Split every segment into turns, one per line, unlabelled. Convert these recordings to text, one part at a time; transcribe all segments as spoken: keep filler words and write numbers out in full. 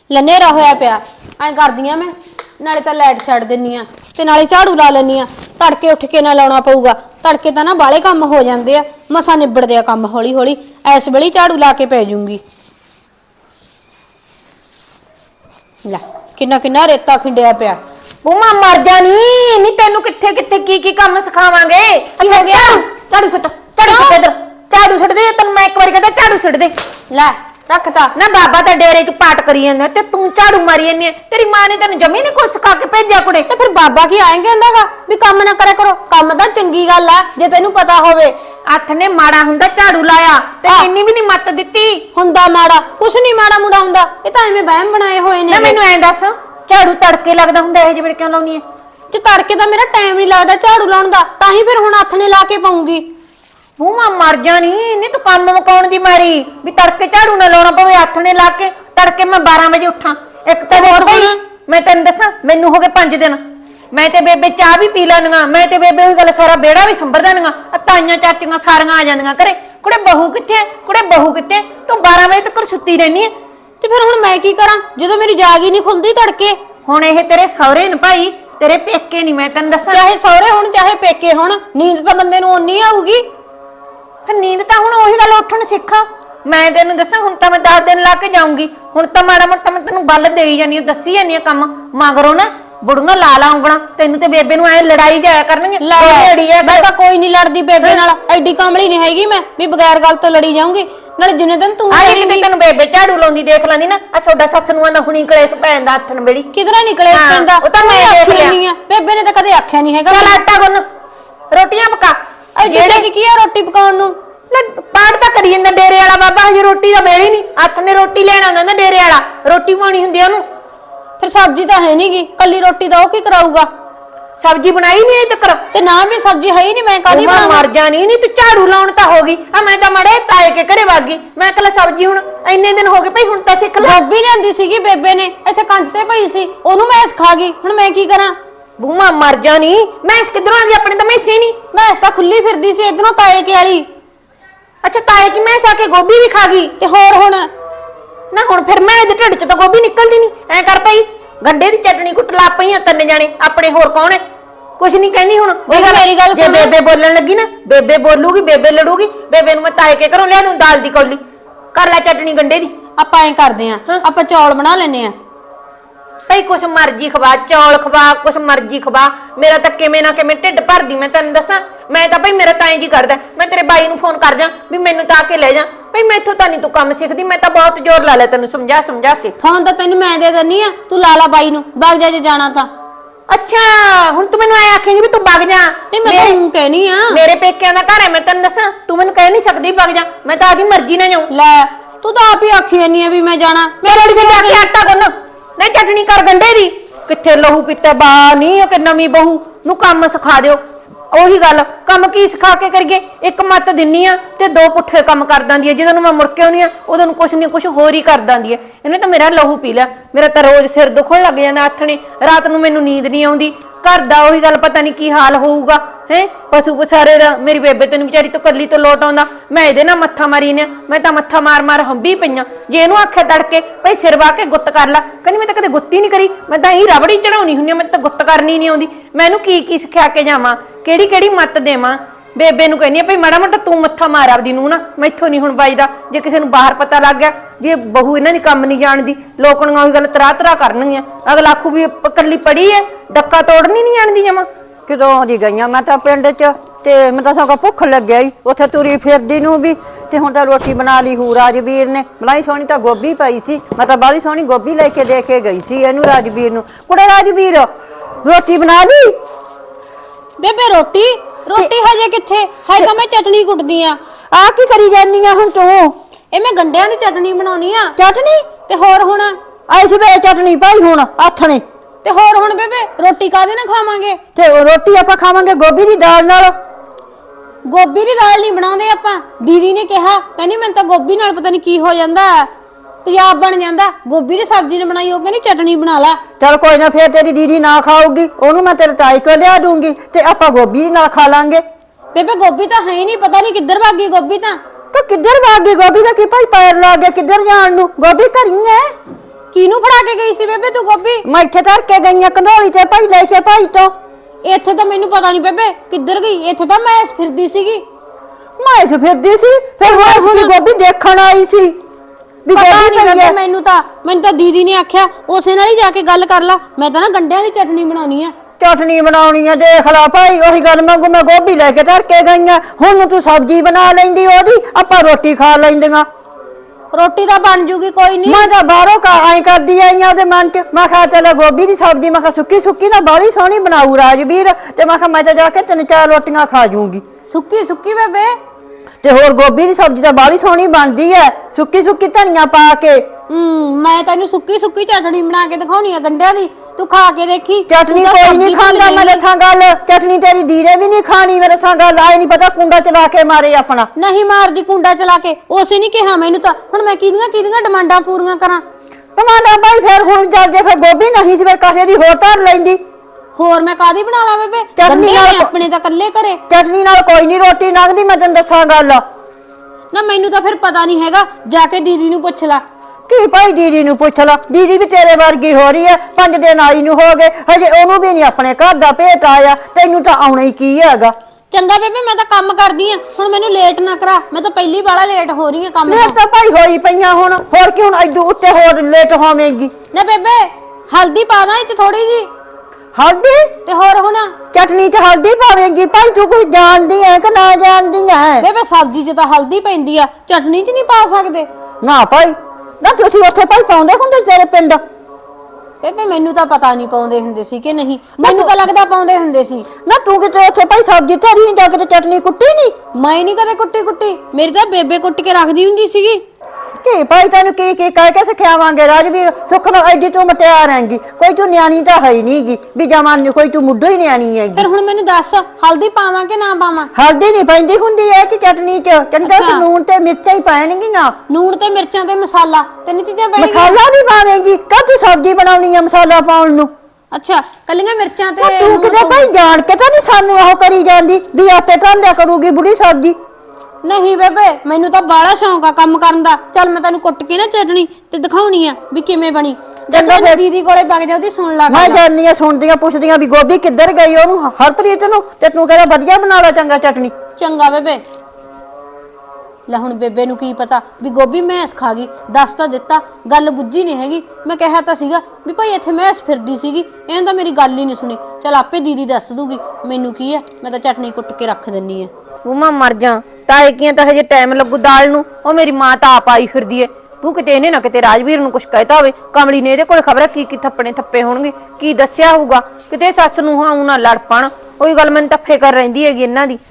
ਲਨੇਰਾ ਹੋਇਆ ਪਿਆ ਐ ਕਰਦੀਆਂ ਮੈਂ ਨਾਲੇ ਤਾਂ ਲਾਈਟ ਛੱਡ ਦਿੰਨੀ ਆ ਤੇ ਨਾਲੇ ਝਾੜੂ ਲਾ ਲੈਨੀ ਆ। ਤੜਕੇ ਉੱਠ ਕੇ ਨਾ ਲਾਉਣਾ ਪਊਗਾ। ਤੜਕੇ ਤਾਂ ਨਾ ਬਾਲੇ ਕੰਮ ਹੋ ਜਾਂਦੇ ਆ, ਮਸਾਂ ਨਿਬੜਦੇ ਆ ਕੰਮ ਹੌਲੀ ਹੌਲੀ। ਐਸ ਵੇਲੇ ਝਾੜੂ ਲਾ ਕੇ ਪੈ ਜੂੰਗੀ। ਲੈ ਕਿੰਨਾ ਕਿੰਨਾ ਰੇਤਾ ਖਿੰਡਿਆ ਪਿਆ।
ਬੂਮਾ ਮਰ ਜਾਣੀ ਨਹੀਂ, ਤੈਨੂੰ ਕਿੱਥੇ ਕਿੱਥੇ ਕੀ ਕੀ ਕੰਮ ਸਿਖਾਵਾਂਗੇ।
ਅੱਛਾ ਹੋ ਗਿਆ?
ਝਾੜੂ ਸੁੱਟ, ਝਾੜੂ ਸੁੱਟ ਇਧਰ, ਝਾੜੂ ਸੁੱਟ ਦੇ। ਤੈਨੂੰ ਮੈਂ ਇੱਕ ਵਾਰੀ ਕਹਿੰਦਾ ਝਾੜੂ ਸੁੱਟ ਦੇ।
ਲੈ ਰੱਖਤਾ
ਨਾ ਬਾਬਾ ਤਾਂ ਡੇਰੇ 'ਚ ਪਾਠ ਕਰੀ ਜਾਂਦਾ ਤੇ ਤੂੰ ਝਾੜੂ ਮਾਰੀ ਜਾਂਦੀ ਹੈ। ਤੇਰੀ ਮਾਂ ਨੇ ਤੈਨੂੰ ਜਮੀ ਨਹੀਂ ਕੁਛ ਸਿਖਾ ਕੇ ਭੇਜਿਆ ਕੁੜੇ।
ਤੇ ਫਿਰ ਬਾਬਾ ਕੀ ਆਏਂਗੇ ਹੁੰਦਾਗਾ ਵੀ ਕੰਮ ਨਾ ਕਰਿਆ ਕਰੋ। ਕੰਮ ਤਾਂ ਚੰਗੀ ਗੱਲ ਆ ਜੇ ਤੈਨੂੰ ਪਤਾ ਹੋਵੇ।
ਅੱਠ ਨੇ ਮਾੜਾ ਹੁੰਦਾ ਝਾੜੂ ਲਾਇਆ ਤੇ ਇੰਨੀ ਵੀ ਨਹੀਂ ਮੱਤ ਦਿੱਤੀ।
ਹੁੰਦਾ ਮਾੜਾ ਕੁਛ ਨਹੀਂ, ਮਾੜਾ ਮੁੰਡਾ ਹੁੰਦਾ। ਇਹ ਤਾਂ ਐਵੇਂ ਵਹਿਮ ਬਣਾਏ ਹੋਏ ਨੇ।
ਨਾ ਮੈਨੂੰ ਐਂ ਦੱਸ, ਝਾੜੂ ਤੜਕੇ ਲੱਗਦਾ ਹੁੰਦਾ ਇਹ ਜਿਵੇਂ ਕਿਉਂ ਲਾਉਣੀ ਹੈ?
ਜੇ ਤੜਕੇ ਤਾਂ ਮੇਰਾ ਟਾਈਮ ਨਹੀਂ ਲੱਗਦਾ ਝਾੜੂ ਲਾਉਣ ਦਾ, ਤਾਂ ਹੀ ਫਿਰ ਹੁਣ ਹੱਥ ਨੇ ਲਾ ਕੇ ਪਾਉਂਗੀ।
ਬੂਮਾ ਮਰ ਜਾਣੀ ਨਹੀਂ, ਤੂੰ ਕੰਮ ਮੁਕਾਉਣ ਦੀ ਮਾਰੀ ਵੀ ਤੜਕੇ ਝਾੜੂ ਨਾ ਲਾਉਣਾ ਪਵੇ। ਹੱਥ ਨੇ ਲਾ ਕੇ ਤੜਕੇ ਮੈਂ ਬਾਰਾਂ ਵਜੇ ਉੱਠਾਂ। ਇੱਕ ਤਾਂ ਹੋਰ ਹੋਈ, ਮੈਂ ਤੈਨੂੰ ਦੱਸਾਂ ਮੈਨੂੰ ਹੋ ਗਏ ਪੰਜ ਦਿਨ। ਮੈਂ ਤੇ ਬੇਬੇ ਚਾਹ ਵੀ ਪੀ ਲੈਣੀਆਂ, ਮੈਂ ਤੇ ਬੇਬੇ ਉਹੀ ਗੱਲ ਸਾਰਾ ਵਿਹੜਾ ਵੀ ਸੰਭਰ ਦੇਣੀਆਂ। ਤਾਈਆਂ ਚਾਚੀਆਂ ਸਾਰੀਆਂ ਆ ਜਾਂਦੀਆਂ ਘਰੇ। ਕੁੜੇ ਬਹੂ ਕਿੱਥੇ ਹੈ? ਕੁੜੇ ਬਹੂ ਕਿੱਥੇ? ਤੂੰ ਬਾਰਾਂ ਵਜੇ ਤੱਕ ਸੁੱਤੀ ਰਹਿਨੀ ਹੈ।
ਤੇ ਫਿਰ ਹੁਣ ਮੈਂ ਕੀ ਕਰਾਂ ਜਦੋਂ ਮੇਰੀ ਜਾਗ ਹੀ ਨਹੀਂ ਖੁੱਲਦੀ ਤੜਕੇ?
ਹੁਣ ਇਹ ਤੇਰੇ ਸਹੁਰੇ ਨੇ ਭਾਈ, ਤੇਰੇ ਪੇਕੇ ਨਹੀਂ। ਮੈਂ ਤੈਨੂੰ ਦੱਸਾਂ
ਚਾਹੇ ਸਹੁਰੇ ਹੁਣ ਚਾਹੇ ਪੇਕੇ ਹੁਣ, ਨੀਂਦ ਤਾਂ ਬੰਦੇ ਨੂੰ ਓਨੀ ਆਊਗੀ।
ਫਿਰ ਨੀਂਦ ਤਾਂ ਹੁਣ ਉਹੀ ਗੱਲ ਉੱਠਣ ਸਿੱਖਾ। ਮੈਂ ਤੈਨੂੰ ਦੱਸਾਂ ਹੁਣ ਤਾਂ ਮੈਂ ਦਸ ਦਿਨ ਲਾ ਕੇ ਜਾਊਂਗੀ। ਹੁਣ ਤਾਂ ਮਾੜਾ ਮੋਟਾ ਮੈਂ ਤੈਨੂੰ ਬੱਲ ਦੇਈ ਜਾਂਦੀ ਹਾਂ, ਦੱਸੀ ਜਾਂਦੀ ਹਾਂ ਕੰਮ। ਮਗਰੋਂ ਨਾ ਬੁੜੀਆਂ ਲਾ ਲਾ ਉਂਗਣਾ। ਤੈਨੂੰ ਤੇ ਬੇਬੇ ਨੂੰ ਐ ਲੜਾਈ ਜਾਇਆ ਕਰਨਗੇ।
ਮੈਂ ਤਾਂ ਕੋਈ ਨਹੀਂ ਲੜਦੀ ਬੇਬੇ ਨਾਲ, ਐਡੀ ਕਾਮਲੀ ਨਹੀਂ ਹੈਗੀ ਮੈਂ ਵੀ ਬਗੈਰ ਗੱਲ ਤੋਂ ਲੜੀ ਜਾਊਂਗੀ। ਨਾਲੇ ਜਿੰਨੇ ਦਿਨ ਤੂੰ
ਲੜੇਂਗੀ ਤੈਨੂੰ ਬੇਬੇ ਝਾੜੂ ਲਾਉਂਦੀ ਦੇਖ ਲੈਂਦੀ ਨਾ। ਆ ਤੁਹਾਡਾ ਸੱਸ ਨੂੰ ਆਂਦਾ ਹੁਣੀ ਕਲੇਸ਼ ਪੈਂਦਾ ਹੱਥਣ ਵੇਲੀ।
ਕਿਧਰੇ ਨਿਕਲੇ ਪੈਂਦਾ
ਉਹ ਤਾਂ ਮੈਂ ਦੇਖ ਲਿਆ।
ਬੇਬੇ ਨੇ ਤਾਂ ਕਦੇ ਆਖਿਆ ਨਹੀਂ ਹੈਗਾ।
ਚੱਲ ਆਟਾ ਗੁੰਨ, ਰੋਟੀਆਂ ਪਕਾ।
ਜਿਹੜੇ ਕੀ ਆ ਰੋਟੀ ਪਕਾਉਣ ਨੂੰ?
ਪਾਠ ਤਾਂ ਕਰੀ ਜਾਂਦਾ ਡੇਰੇ ਵਾਲਾ ਬਾਬਾ, ਹਜੇ ਰੋਟੀ ਦਾ ਵੇਲੇ ਨਹੀਂ। ਹੱਥ ਨੇ ਰੋਟੀ ਲੈਣ ਆਉਂਦਾ ਨਾ ਡੇਰੇ ਵਾਲਾ, ਰੋਟੀ ਪਾਉਣੀ ਹੁੰਦੀ ਉਹਨੂੰ।
ਫਿਰ ਸਬਜ਼ੀ ਤਾਂ ਹੈ ਨਹੀਂਗੀ, ਕੱਲੀ ਰੋਟੀ ਦਾ ਉਹ ਕੀ ਕਰਾਊਗਾ?
ਸਬਜ਼ੀ ਬਣਾਈ ਨਹੀਂ ਅਜੇ ਤੱਕ?
ਤੇ ਨਾ ਵੀ ਸਬਜ਼ੀ ਹੈ ਹੀ ਨਹੀਂ, ਮੈਂ ਕਾਹਦੀ
ਬਣਾਵਾਂ? ਮਰ ਜਾਣੀ ਨਹੀਂ, ਤੂੰ ਝਾੜੂ ਲਾਉਣ ਤਾਂ ਹੋ ਗਈ। ਆ ਮੈਂ ਤਾਂ ਮੜੇ ਤਾਏ ਕੇ ਘਰੇ ਵਗ ਗਈ। ਮੈਂ ਕੱਲ ਸਬਜ਼ੀ ਹੁਣ ਇੰਨੇ ਦਿਨ ਹੋ ਗਏ ਭਈ, ਹੁਣ ਤਾਂ ਸਿੱਖ ਲੈ।
ਗੋਭੀ ਲਿਆਂਦੀ ਸੀਗੀ ਬੇਬੇ ਨੇ, ਇੱਥੇ ਕੰਧ ਤੇ ਪਈ ਸੀ, ਉਹਨੂੰ ਮੈਂ ਖਾ ਗਈ। ਹੁਣ ਮੈਂ ਕੀ ਕਰਾਂ?
ਬੂਮਾ ਮਰ ਜਾਣੀ, ਮੈਂ ਇਸ ਕਿਧਰੋਂ ਆ ਗਈ? ਆਪਣੇ ਤਾਂ ਮੈਸੇ ਨਹੀਂ।
ਮੈਂ ਇਸ ਤਾਂ ਖੁੱਲੀ ਫਿਰਦੀ ਸੀ ਇਧਰੋਂ ਤਾਏ ਕੇ ਵਾਲੀ।
ਅੱਛਾ ਤਾਏ ਕੀ ਮੈਂ ਸਾ ਕੇ ਗੋਭੀ ਵੀ ਖਾ ਗਈ?
ਤੇ ਹੋਰ ਹੁਣ
ਨਾ ਹੁਣ ਫਿਰ ਮੈਂ ਇਹਦੇ ਢਿੱਡ ਚ ਤਾਂ ਗੋਭੀ ਨਿਕਲਦੀ ਨਹੀਂ। ਐ ਕਰ ਪਈ ਗੰਡੇ ਦੀ ਚਟਣੀ ਕੁੱਟ ਲਾ ਪਈਆਂ ਤਿੰਨ ਜਾਣੇ ਆਪਣੇ, ਹੋਰ ਕੌਣ ਹੈ? ਕੁਛ ਨਹੀਂ ਕਹਿੰਦੀ ਹੁਣ।
ਮੇਰੀ ਗੱਲ
ਜੇ ਬੇਬੇ ਬੋਲਣ ਲੱਗੀ ਨਾ, ਬੇਬੇ ਬੋਲੂਗੀ, ਬੇਬੇ ਲੜੂਗੀ। ਬੇਬੇ ਨੂੰ ਮੈਂ ਤਾਏ ਕੇ ਘਰੋਂ ਲਿਆ ਦੂੰ ਦਾਲ ਦੀ ਕੌਲੀ, ਕਰ ਲੈ ਚਟਣੀ ਗੰਡੇ ਦੀ।
ਆਪਾਂ ਐਂ ਕਰਦੇ ਆਂ, ਆਪਾਂ ਚੌਲ ਬਣਾ ਲੈਨੇ ਆ।
ਭਾਈ ਕੁਛ ਮਰਜ਼ੀ ਖਵਾ, ਚੌਲ ਖਵਾ, ਕੁਛ ਮਰਜ਼ੀ ਖਵਾ। ਮੇਰਾ ਤਾਂ ਕਿਵੇਂ ਨਾ ਕਿਵੇਂ ਢਿੱਡ ਭਰਦੀ। ਮੈਂ ਤੈਨੂੰ ਦੱਸਾਂ, ਮੈਂ ਤਾਂ ਭਾਈ ਮੇਰਾ ਤਾਂ ਇੰਜ ਹੀ ਕਰਦਾ। ਮੈਂ ਤੇਰੇ ਬਾਈ ਨੂੰ ਫੋਨ ਕਰ ਜਾਂ ਵੀ ਮੈਨੂੰ ਤਾਂ ਆ ਕੇ ਲੈ ਜਾ। ਭਾਈ ਮੈਥੋਂ ਤਾਂ ਨਹੀਂ ਤੂੰ ਕੰਮ ਸਿੱਖਦੀ। ਮੈਂ ਤਾਂ ਬਹੁਤ ਜ਼ੋਰ ਲਾ ਲਿਆ ਤੈਨੂੰ ਸਮਝਾ ਸਮਝਾ ਕੇ।
ਫੋਨ ਤਾਂ ਤੈਨੂੰ ਮੈਂ ਦੇ ਦਿੰਨੀ ਆ, ਤੂੰ ਲਾਲਾ ਬਾਈ ਨੂੰ ਵਗ ਜਾ ਜੇ ਜਾਣਾ ਤਾਂ।
ਅੱਛਾ ਹੁਣ ਤੂੰ ਮੈਨੂੰ ਐ ਆਖੇਂਗੀ ਵੀ ਤੂੰ ਵਗ ਜਾ?
ਨਹੀਂ ਮੈਂ ਤੈਨੂੰ ਕਹਿਨੀ ਆ,
ਮੇਰੇ ਪੇਕਿਆਂ ਦਾ ਘਰ ਹੈ। ਮੈਂ ਤੈਨੂੰ ਦੱਸਾਂ, ਤੂੰ ਮੈਨੂੰ ਕਹਿ ਨਹੀਂ ਸਕਦੀ ਵਗ ਜਾ। ਮੈਂ ਤਾਂ ਆਦੀ ਮਰਜ਼ੀ ਨਾਲ ਜਾਊਂ।
ਲੈ ਤੂੰ ਤਾਂ ਆਪ ਹੀ ਆਖੀ ਜਾਂਦੀ ਆ ਵੀ ਮੈਂ ਜਾਣਾ।
ਮੇਰੇ ਲਈ ਜਾ ਕੇ ਆਟਾ ਗੁੰਨ, ਨਹੀਂ ਚਟਣੀ ਕਰ ਗੰਡੇ ਦੀ। ਕਿੱਥੇ ਲਹੂ ਪੀਤਾ ਬਾ ਨਹੀਂ ਕਿ ਨਵੀਂ ਬਹੂ ਨੂੰ ਕੰਮ ਸਿਖਾ ਦਿਓ। ਉਹੀ ਗੱਲ, ਕੰਮ ਕੀ ਸਿਖਾ ਕੇ ਕਰੀਏ? ਇੱਕ ਮੱਤ ਦਿੰਨੀ ਆ ਤੇ ਦੋ ਪੁੱਠੇ ਕੰਮ ਕਰ ਦਿੰਦੀ ਹੈ। ਜਦੋਂ ਨੂੰ ਮੈਂ ਮੁੜ ਕੇ ਆਉਣੀ ਆ ਉਦੋਂ ਨੂੰ ਕੁਛ ਨਹੀਂ ਕੁਛ ਹੋਰ ਹੀ ਕਰ ਦਿੰਦੀ ਹੈ। ਇਹਨੇ ਤਾਂ ਮੇਰਾ ਲਹੂ ਪੀ ਲਿਆ। ਮੇਰਾ ਤਾਂ ਰੋਜ਼ ਸਿਰ ਦੁਖਣ ਲੱਗ ਜਾਂਦਾ ਹੱਥ ਨੇ। ਰਾਤ ਨੂੰ ਮੈਨੂੰ ਨੀਂਦ ਨਹੀਂ ਆਉਂਦੀ। ਘਰ ਦਾ ਉਹੀ ਗੱਲ, ਪਤਾ ਨਹੀਂ ਕੀ ਹਾਲ ਹੋਊਗਾ ਹੈ। ਪਸ਼ੂ ਪਸਾਰੇ ਦਾ ਮੇਰੀ ਬੇਬੇ ਤੈਨੂੰ ਵਿਚਾਰੀ ਤੋਂ ਕੱਲੀ ਤੋਂ ਲੋਟ ਆਉਂਦਾ। ਮੈਂ ਇਹਦੇ ਨਾਲ ਮੱਥਾ ਮਾਰੀ ਨੇ, ਮੈਂ ਤਾਂ ਮੱਥਾ ਮਾਰ ਮਾਰ ਹੰਬੀ ਪਈਆਂ। ਜੇ ਇਹਨੂੰ ਆਖਿਆ ਤੜਕੇ ਭਾਈ ਸਿਰ ਵਾ ਕੇ ਗੁੱਤ ਕਰ ਲੈ, ਕਹਿੰਦੀ ਮੈਂ ਤਾਂ ਕਦੇ ਗੁੱਤੀ ਨਹੀਂ ਕਰੀ। ਮੈਂ ਤਾਂ ਇਹ ਰਬੜੀ ਚੜਾਉਣੀ ਹੁੰਦੀ ਆ, ਮੈਂ ਤਾਂ ਗੁੱਤ ਕਰਨੀ ਨਹੀਂ ਆਉਂਦੀ। ਮੈਂ ਇਹਨੂੰ ਕੀ ਕੀ ਸਿਖਾ ਕੇ ਜਾਵਾਂ, ਕਿਹੜੀ ਕਿਹੜੀ ਮੱਤ ਦੇਵਾਂ? ਬੇਬੇ ਨੂੰ ਕਹਿੰਦੀ ਆ ਭਾਈ ਮਾੜਾ ਮੋਟਾ ਤੂੰ ਮੱਥਾ ਮਾਰ ਆਪਦੀ ਨੂੰ ਨਾ, ਮੈਥੋਂ ਨਹੀਂ ਹੁਣ ਬਾਈ ਦਾ। ਜੇ ਕਿਸੇ ਨੂੰ ਬਾਹਰ ਪਤਾ ਲੱਗ ਗਿਆ ਵੀ ਇਹ ਬਹੂ ਇਹਨਾਂ ਦੀ ਕੰਮ ਨਹੀਂ ਜਾਣਦੀ, ਲੋਕ ਨੂੰ ਉਹੀ ਗੱਲ ਤਰਾ ਤਰਾ ਕਰਨਗੀਆਂ। ਅਗਲਾ ਆਖੂ ਵੀ ਇਕੱਲੀ ਪੜੀ ਹੈ, ਡੱਕਾ ਤੋੜਨੀ ਨਹੀਂ ਜਾਣਦੀ ਜਮਾ।
ਕਿਦੋਂ ਦੀ ਗਈਆਂ ਮੈਂ ਤਾਂ ਪਿੰਡ 'ਚ, ਤੇ ਮੈਂ ਤਾਂ ਸਗੋਂ ਭੁੱਖ ਲੱਗਿਆ ਹੀ ਉੱਥੇ ਤੁਰੀ ਫਿਰਦੀ ਨੂੰ ਵੀ। ਤੇ ਹੁਣ ਤਾਂ ਰੋਟੀ ਬਣਾ ਲਈ ਹੂ ਰਾਜਵੀਰ ਨੇ। ਬਲਾਈ ਸੋਹਣੀ ਤਾਂ ਗੋਭੀ ਪਾਈ ਸੀ, ਮੈਂ ਤਾਂ ਬਾਲੀ ਸੋਹਣੀ ਗੋਭੀ ਲੈ ਕੇ ਦੇ ਕੇ ਗਈ ਸੀ ਇਹਨੂੰ ਰਾਜਵੀਰ ਨੂੰ। ਕੁੜੇ ਰਾਜਵੀਰ ਰੋਟੀ ਬਣਾ ਲਈ?
ਬੇਬੇ ਰੋਟੀ ਰੋਟੀ ਹਜੇ ਕਿੱਥੇ? ਹਾਏ ਤਾਂ ਮੈਂ ਚਟਣੀ ਕੁੱਟਦੀ ਆ।
ਆ ਕੀ ਕਰੀ ਜਾਨੀ ਆ ਹੁਣ ਤੂੰ?
ਇਹ ਮੈਂ ਗੰਡਿਆਂ ਦੀ ਚਟਣੀ ਬਣਾਉਣੀ ਆ।
ਚਟਣੀ?
ਤੇ ਹੋਰ ਹੁਣ
ਐਸ ਵੇ ਚਟਣੀ ਭਾਈ ਹੁਣ ਆਥਣੇ।
ਤੇ ਹੋਰ ਹੁਣ ਬੇਬੇ ਰੋਟੀ ਕਾਹਦੇ ਨਾਲ ਖਾਵਾਂਗੇ?
ਤੇ ਰੋਟੀ ਆਪਾਂ ਖਾਵਾਂਗੇ ਗੋਭੀ ਦੀ ਦਾਲ ਨਾਲ।
ਗੋਭੀ ਦੀ ਦਾਲ ਨਹੀਂ ਬਣਾਉਂਦੇ ਆਪਾਂ। ਦੀਦੀ ਨੇ ਕਿਹਾ, ਕਹਿੰਦੀ ਮੈਨੂੰ ਤਾਂ ਗੋਭੀ ਨਾਲ ਪਤਾ ਨਹੀਂ ਕੀ ਹੋ ਜਾਂਦਾ, ਤੇਜ਼ਾਬ ਬਣ ਜਾਂਦਾ। ਗੋਭੀ ਦੀ ਸਬਜ਼ੀ ਨੇ ਬਣਾਈ, ਉਹ ਕਹਿੰਦੀ ਚਟਣੀ ਬਣਾ ਲਾ।
ਚਲ ਕੋਈ ਨਾ, ਫੇਰ ਤੇਰੀ ਦੀਦੀ ਨਾ ਖਾਊਗੀ, ਉਹਨੂੰ ਮੈਂ ਤੇਰੇ ਤਾਈ ਕੋਲ ਲਿਆ ਦੂੰਗੀ ਤੇ ਆਪਾਂ ਗੋਭੀ ਨਾਲ ਖਾ ਲਾਂਗੇ।
ਬੇਬੇ ਗੋਭੀ ਤਾਂ ਹੈ ਹੀ ਨਹੀਂ, ਪਤਾ ਨਹੀਂ ਕਿੱਧਰ ਭੱਗ ਗਈ ਗੋਭੀ ਤਾਂ।
तो किधर भाग गई गोभी का? कि भाई पैर लग गया किधर जान नू? गोभी घरी है
ਕਿਹਨੂੰ ਫੜਾ ਕੇ ਗਈ ਸੀ ਬੇਬੇ ਤੂੰ ਗੋਭੀ?
ਮੈਂ ਇੱਥੇ ਧਰ ਕੇ ਗਈਆਂ ਕੰਧੋਲੀ ਤੇ ਭਾਈ ਲੈ ਕੇ ਭਾਈ ਤੋਂ।
ਇੱਥੇ ਤਾਂ ਮੈਨੂੰ ਪਤਾ ਨਹੀਂ ਬੇਬੇ ਕਿੱਧਰ ਗਈ, ਇੱਥੇ ਤਾਂ ਮੈਂ ਫਿਰਦੀ ਸੀਗੀ।
ਮੈਂ ਇਸ ਫਿਰਦੀ ਸੀ ਫਿਰ ਮੈਂ ਇਸ ਦੀ ਗੋਭੀ ਦੇਖਣ ਆਈ ਸੀ ਵੀ
ਪਤਾ
ਗੋਭੀ
ਨਹੀਂ
ਪਈ
ਬੇਬੇ
ਹੈ।
ਮੈਨੂੰ ਤਾਂ ਮੈਨੂੰ ਤਾਂ ਦੀਦੀ ਨੇ ਆਖਿਆ ਉਸੇ ਨਾਲ ਹੀ ਜਾ ਕੇ ਗੱਲ ਕਰ ਲਾ, ਮੈਂ ਤਾਂ ਨਾ ਗੰਡਿਆਂ ਦੀ ਚਟਨੀ ਬਣਾਉਣੀ ਆ।
ਚਟਨੀ ਬਣਾਉਣੀ ਆ ਦੇਖ ਲਾ ਭਾਈ, ਉਹੀ ਗੱਲ ਮੰਗੂ ਮੈਂ ਗੋਭੀ ਲੈ ਕੇ ਧਰ ਕੇ ਗਈਆਂ, ਹੁਣ ਤੂੰ ਸਬਜ਼ੀ ਬਣਾ ਲੈਂਦੀ ਉਹਦੀ, ਆਪਾਂ ਰੋਟੀ ਖਾ ਲੈਂਦੀਆਂ।
ਰੋਟੀ ਤਾਂ ਬਣ ਜੂਗੀ ਕੋਈ ਨਹੀਂ।
ਮੈਂ ਤਾਂ ਬਾਹਰੋਂ ਕਾ ਐਂ ਕਰਦੀ ਆਈਆਂ ਉਹਦੇ ਮਨ ਚ, ਮੈਂ ਕਿਹਾ ਚੱਲ ਗੋਭੀ ਦੀ ਸਬਜ਼ੀ ਮੈਂ ਕਿਹਾ ਸੁੱਕੀ ਸੁੱਕੀ ਨਾ ਬਾਹਲੀ ਸੋਹਣੀ ਬਣਾਊ ਰਾਜਵੀਰ, ਤੇ ਮੈਂ ਕਿਹਾ ਮੈਂ ਤਾਂ ਜਾ ਕੇ ਤਿੰਨ ਚਾਰ ਰੋਟੀਆਂ ਖਾ ਜੂੰਗੀ।
ਸੁੱਕੀ ਸੁੱਕੀ ਬੇਬੇ
ਤੇ ਹੋਰ ਗੋਭੀ ਦੀ ਸਬਜ਼ੀ ਤਾਂ ਬਾਹਲੀ ਸੋਹਣੀ ਬਣਦੀ ਐ ਸੁੱਕੀ ਸੁੱਕੀ ਧਨੀਆ ਪਾ ਕੇ।
ਹੂੰ ਮੈਂ ਤੈਨੂੰ ਸੁੱਕੀ ਸੁੱਕੀ ਚਟਣੀ ਬਣਾ ਕੇ ਦਿਖਾਉਣੀ ਆ ਗੰਡਿਆਂ ਦੀ, ਤੂੰ ਖਾ ਕੇ ਦੇਖੀ।
ਚਟਨੀ
ਤੂੰ ਤਾਂ
ਕੋਈ
ਸਬਜ਼ੀ
ਨਹੀਂ
ਭੁੱਲ
ਖਾਂਦਾ, ਮੈਂ
ਗਈ।
ਦੱਸਾਂ ਗੱਲ, ਚਟਨੀ ਤੇਰੀ ਦੀਰੇ ਵੀ ਨਹੀਂ ਖਾਣੀ, ਮੇਰੇ ਸਾਂ ਗੱਲ ਆਏ ਨਹੀਂ ਪਤਾ ਕੁੰਡਾ ਚਲਾ ਕੇ ਮਾਰੇ ਆਪਣਾ।
ਨਹੀਂ ਮਾਰਦੀ ਕੁੰਡਾ ਚਲਾ ਕੇ, ਉਸੇ ਨਹੀਂ ਕਿਹਾ ਮੈਨੂੰ ਤਾਂ, ਹੁਣ ਮੈਂ ਕਿਹਦੀਆਂ ਕਿਹਦੀਆਂ ਡਿਮਾਂਡਾਂ ਪੂਰੀਆਂ ਕਰਾਂ।
ਟਮਾਟਰ ਭਾਈ ਫਿਰ ਹੁਣ ਜਦ ਜੇ ਫਿਰ ਗੋਭੀ ਨਹੀਂ ਸੀ ਫਿਰ ਕਾਸੇ ਦੀ ਹੋਰ ਧਰ ਲੈਂਦੀ।
ਹੋਰ ਮੈਂ ਕਾਦੀ ਬਣਾ ਲਾ ਬੇਬੇ,
ਚਟਨੀ
ਗੰਡੇ
ਨਾਲ
ਨੇ ਆਪਣੇ ਤਾਂ ਕੱਲੇ ਘਰੇ।
ਚਟਨੀ ਨਾਲ ਕੋਈ ਨਹੀਂ ਰੋਟੀ ਲੰਘਦੀ, ਮੈਂ ਤੈਨੂੰ ਦੱਸਾਂ ਗੱਲ।
ਨਾ ਮੈਨੂੰ ਤਾਂ ਫਿਰ ਪਤਾ ਨਹੀਂ ਹੈਗਾ, ਜਾ ਕੇ ਦੀਦੀ ਨੂੰ ਪੁੱਛ ਲਾ।
ਕੀ ਭਾਈ ਦੀਦੀ ਨੂੰ ਪੁੱਛ ਲਾ, ਦੀਦੀ ਵੀ ਤੇਰੇ ਵਰਗੀ ਹੋ ਰਹੀ ਹੈ, ਪੰਜ ਦਿਨ ਆਈ ਨੂੰ ਹੋ ਗਏ, ਹਜੇ ਉਹਨੂੰ ਵੀ ਨਹੀਂ ਆਪਣੇ ਘਰ ਦਾ ਭੇਤ ਆਇਆ, ਤੈਨੂੰ ਤਾਂ ਆਉਣਾ ਹੀ ਕੀ ਹੈਗਾ।
ਚੰਗਾ ਬੇਬੇ ਮੈਂ ਤਾਂ ਕੰਮ ਕਰਦੀ ਆ, ਹੁਣ ਮੈਨੂੰ ਲੇਟ ਨਾ ਕਰਾ, ਮੈਂ ਤਾਂ ਪਹਿਲੀ ਵਾਲਾ ਲੇਟ ਹੋ ਰਹੀ ਆ ਕੰਮ
ਮੈਂ
ਤੋਂ।
ਤਾਂ ਭਾਈ ਹੋਈ ਪਈਆਂ ਹੁਣ, ਹੋਰ ਕੀ ਹੁਣ ਐਡੂ ਉੱਤੇ ਹੋਰ ਲੇਟ ਹੋਵੇਂਗੀ।
ਨਾ ਬੇਬੇ ਹਲਦੀ ਪਾ ਦਾਂ ਇੱਥੇ ਥੋੜੀ ਜੀ,
ਹਲਦੀ
ਤੇ ਹੋਰ ਹੁਣ
ਚਟਨੀ ਚ ਹਲਦੀ ਪਾਵੇਂਗੀ ਭਾਈ, ਤੂੰ ਕੁਝ ਜਾਣਦੀ ਹੈ ਕਿ ਨਾ ਜਾਣਦੀ ਹੈ?
ਬੇਬੇ ਸਬਜ਼ੀ 'ਚ ਤਾਂ ਹਲਦੀ ਪੈਂਦੀ ਆ, ਚਟਨੀ 'ਚ ਨਹੀਂ ਪਾ ਸਕਦੇ।
ਨਾ ਭਾਈ ਨਾ ਤੁਸੀਂ ਉੱਥੇ ਭਾਈ ਪਾਉਂਦੇ ਹੁੰਦੇ ਤੇਰੇ ਪਿੰਡ?
ਬੇਬੇ ਮੈਨੂੰ ਤਾਂ ਪਤਾ ਨਹੀਂ ਪਾਉਂਦੇ ਹੁੰਦੇ ਸੀ ਕਿ ਨਹੀਂ, ਮੈਨੂੰ ਤਾਂ ਲੱਗਦਾ ਪਾਉਂਦੇ ਹੁੰਦੇ ਸੀ।
ਨਾ ਤੂੰ ਕਿਤੇ ਉੱਥੇ ਭਾਈ ਸਬਜ਼ੀ ਧਰੀ ਨਹੀਂ, ਜਾ ਕੇ ਤੇ ਚਟਨੀ ਕੁੱਟੀ ਨਹੀਂ?
ਮੈਂ ਨਹੀਂ ਕਦੇ ਕੁੱਟੀ ਕੁੱਟੀ, ਮੇਰੀ ਤਾਂ ਬੇਬੇ ਕੁੱਟ ਕੇ ਰੱਖਦੀ ਹੁੰਦੀ ਸੀਗੀ।
ਕੀ ਭਾਈ ਤੈਨੂੰ ਕੀ ਕੀ ਕਹਿ ਕੇ ਸਿਖਾਵਾਂਗੇ ਰਾਜਵੀਰ, ਸੁੱਖ ਨਾਲ ਐਡੀ ਤੂੰ ਮਟਿਆਰ ਹੈਂਗੀ, ਕੋਈ ਤੂੰ ਨਿਆਣੀ ਤਾਂ ਹੈ ਨਹੀਂਗੀ ਵੀ ਜਮਾਨ ਕੋਈ ਤੂੰ ਮੁੱਢੋਂ ਹੀ ਨਿਆਣੀ ਹੈਗੀ।
ਫਿਰ ਹੁਣ ਮੈਨੂੰ ਦੱਸ ਹਲਦੀ ਪਾਵਾਂ ਕਿ ਨਾ ਪਾਵਾਂ?
ਹਲਦੀ ਨਹੀਂ ਪੈਂਦੀ ਹੁੰਦੀ ਐ ਕਿ ਚਟਨੀ ਚ, ਚੰਗਾ
ਅੱਛਾ।
ਨੂਨ ਤੇ ਮਿਰਚਾਂ ਹੀ ਪੈਣਗੀਆਂ।
ਨੂਣ ਤੇ ਮਿਰਚਾਂ ਤੇ ਮਸਾਲਾ, ਤਿੰਨ ਚੀਜ਼ਾਂ ਪੈਣਗੀਆਂ।
ਮਸਾਲਾ ਵੀ ਪਾਵੇਂਗੀ ਕਾ ਤੂੰ ਸਬਜ਼ੀ ਬਣਾਉਣੀ ਆ ਮਸਾਲਾ ਪਾਉਣ ਨੂੰ?
ਅੱਛਾ ਕੱਲੀਆਂ ਮਿਰਚਾਂ ਤੇ
ਉਹ ਤੂੰ
ਨੂਣ
ਕਿਤੇ
ਪਾਊਂ।
ਭਾਈ ਜਾਣ ਕੇ ਤਾਂ ਨਹੀਂ ਸਾਨੂੰ ਉਹ ਕਰੀ ਜਾਂਦੀ ਵੀ ਆਪੇ ਧੰਦਾ ਕਰੂਗੀ ਬੁੜੀ ਸਬਜ਼ੀ?
ਨਹੀਂ ਬੇਬੇ ਮੈਨੂੰ ਤਾਂ ਬਾਹਲਾ ਸ਼ੌਂਕ ਆ ਕੰਮ ਕਰਨ ਦਾ, ਚੱਲ ਮੈਂ ਤੈਨੂੰ ਕੁੱਟ ਕੇ ਨਾ ਚਟਣੀ ਤੇ ਦਿਖਾਉਣੀ ਆ ਵੀ ਕਿਵੇਂ ਬਣੀ।
ਚੰਗਾ
ਜਦੋਂ
ਫਿਰ।
ਦੀਦੀ ਕੋਲੇ ਵਗ ਜਾ ਉਹਦੀ ਸੁਣ ਲਾ
ਮੈਂ
ਗੱਲ।
ਜਾਣਦੀਆਂ ਸੁਣਦੀਆਂ ਪੁੱਛਦੀਆਂ ਵੀ ਗੋਭੀ ਕਿੱਧਰ ਗਈ ਉਹਨੂੰ ਹਰਪ੍ਰੀਤ ਨੂੰ, ਤੇ ਤੂੰ ਕਹਿੰਦਾ ਵਧੀਆ ਬਣਾ ਲਾ ਚੰਗਾ ਚਟਨੀ।
ਚੰਗਾ ਬੇਬੇ ਲੈ ਹੁਣ ਬੇਬੇ ਨੂੰ ਕੀ ਪਤਾ ਵੀ ਗੋਭੀ ਮੈਂਸ ਖਾ ਗਈ, ਦੱਸ ਤਾਂ ਦਿੱਤਾ, ਗੱਲ ਬੁੱਝੀ ਨਹੀਂ ਹੈਗੀ। ਮੈਂ ਕਿਹਾ ਤਾਂ ਸੀਗਾ ਵੀ ਭਾਈ ਇੱਥੇ ਮੈਂਸ ਫਿਰਦੀ ਸੀਗੀ, ਇਹਨੇ ਤਾਂ ਮੇਰੀ ਗੱਲ ਹੀ ਨਹੀਂ ਸੁਣੀ। ਚੱਲ ਆਪੇ ਦੀਦੀ ਦੱਸ ਦੂਗੀ, ਮੈਨੂੰ ਕੀ ਹੈ, ਮੈਂ ਤਾਂ ਚਟਨੀ ਕੁੱਟ ਕੇ ਰੱਖ ਦਿੰਨੀ ਆ।
ਉਮਾ ਮਰ ਜਾ, ਤਾਏ ਕੀਆਂ ਤਾਂ ਹਜੇ ਟਾਈਮ ਲੱਗੂ ਦਾਲ ਨੂੰ, ਉਹ ਮੇਰੀ ਮਾਂ ਤਾਂ ਆਪ ਆਈ ਫਿਰਦੀ ਏ। ਤੂੰ ਕਿਤੇ ਇਹਨੇ ਨਾ ਕਿਤੇ ਰਾਜਵੀਰ ਨੂੰ ਕੁਝ ਕਹਿਤਾ ਹੋਵੇ, ਕਮਲੀ ਨੇ ਇਹਦੇ ਕੋਲ ਖਬਰ ਕੀ ਕੀ ਥੱਪਣੇ ਥੱਪੇ ਹੋਣਗੇ, ਕੀ ਦੱਸਿਆ ਹੋਊਗਾ, ਕਿਤੇ ਸੱਸ ਨੂੰ ਹਾਂ ਨਾ ਲੜ ਪਣ। ਉਹੀ ਗੱਲ ਮੈਨੂੰ ਤਾਂ ਫਿਕਰ ਰਹਿੰਦੀ ਹੈਗੀ ਇਹਨਾਂ ਦੀ।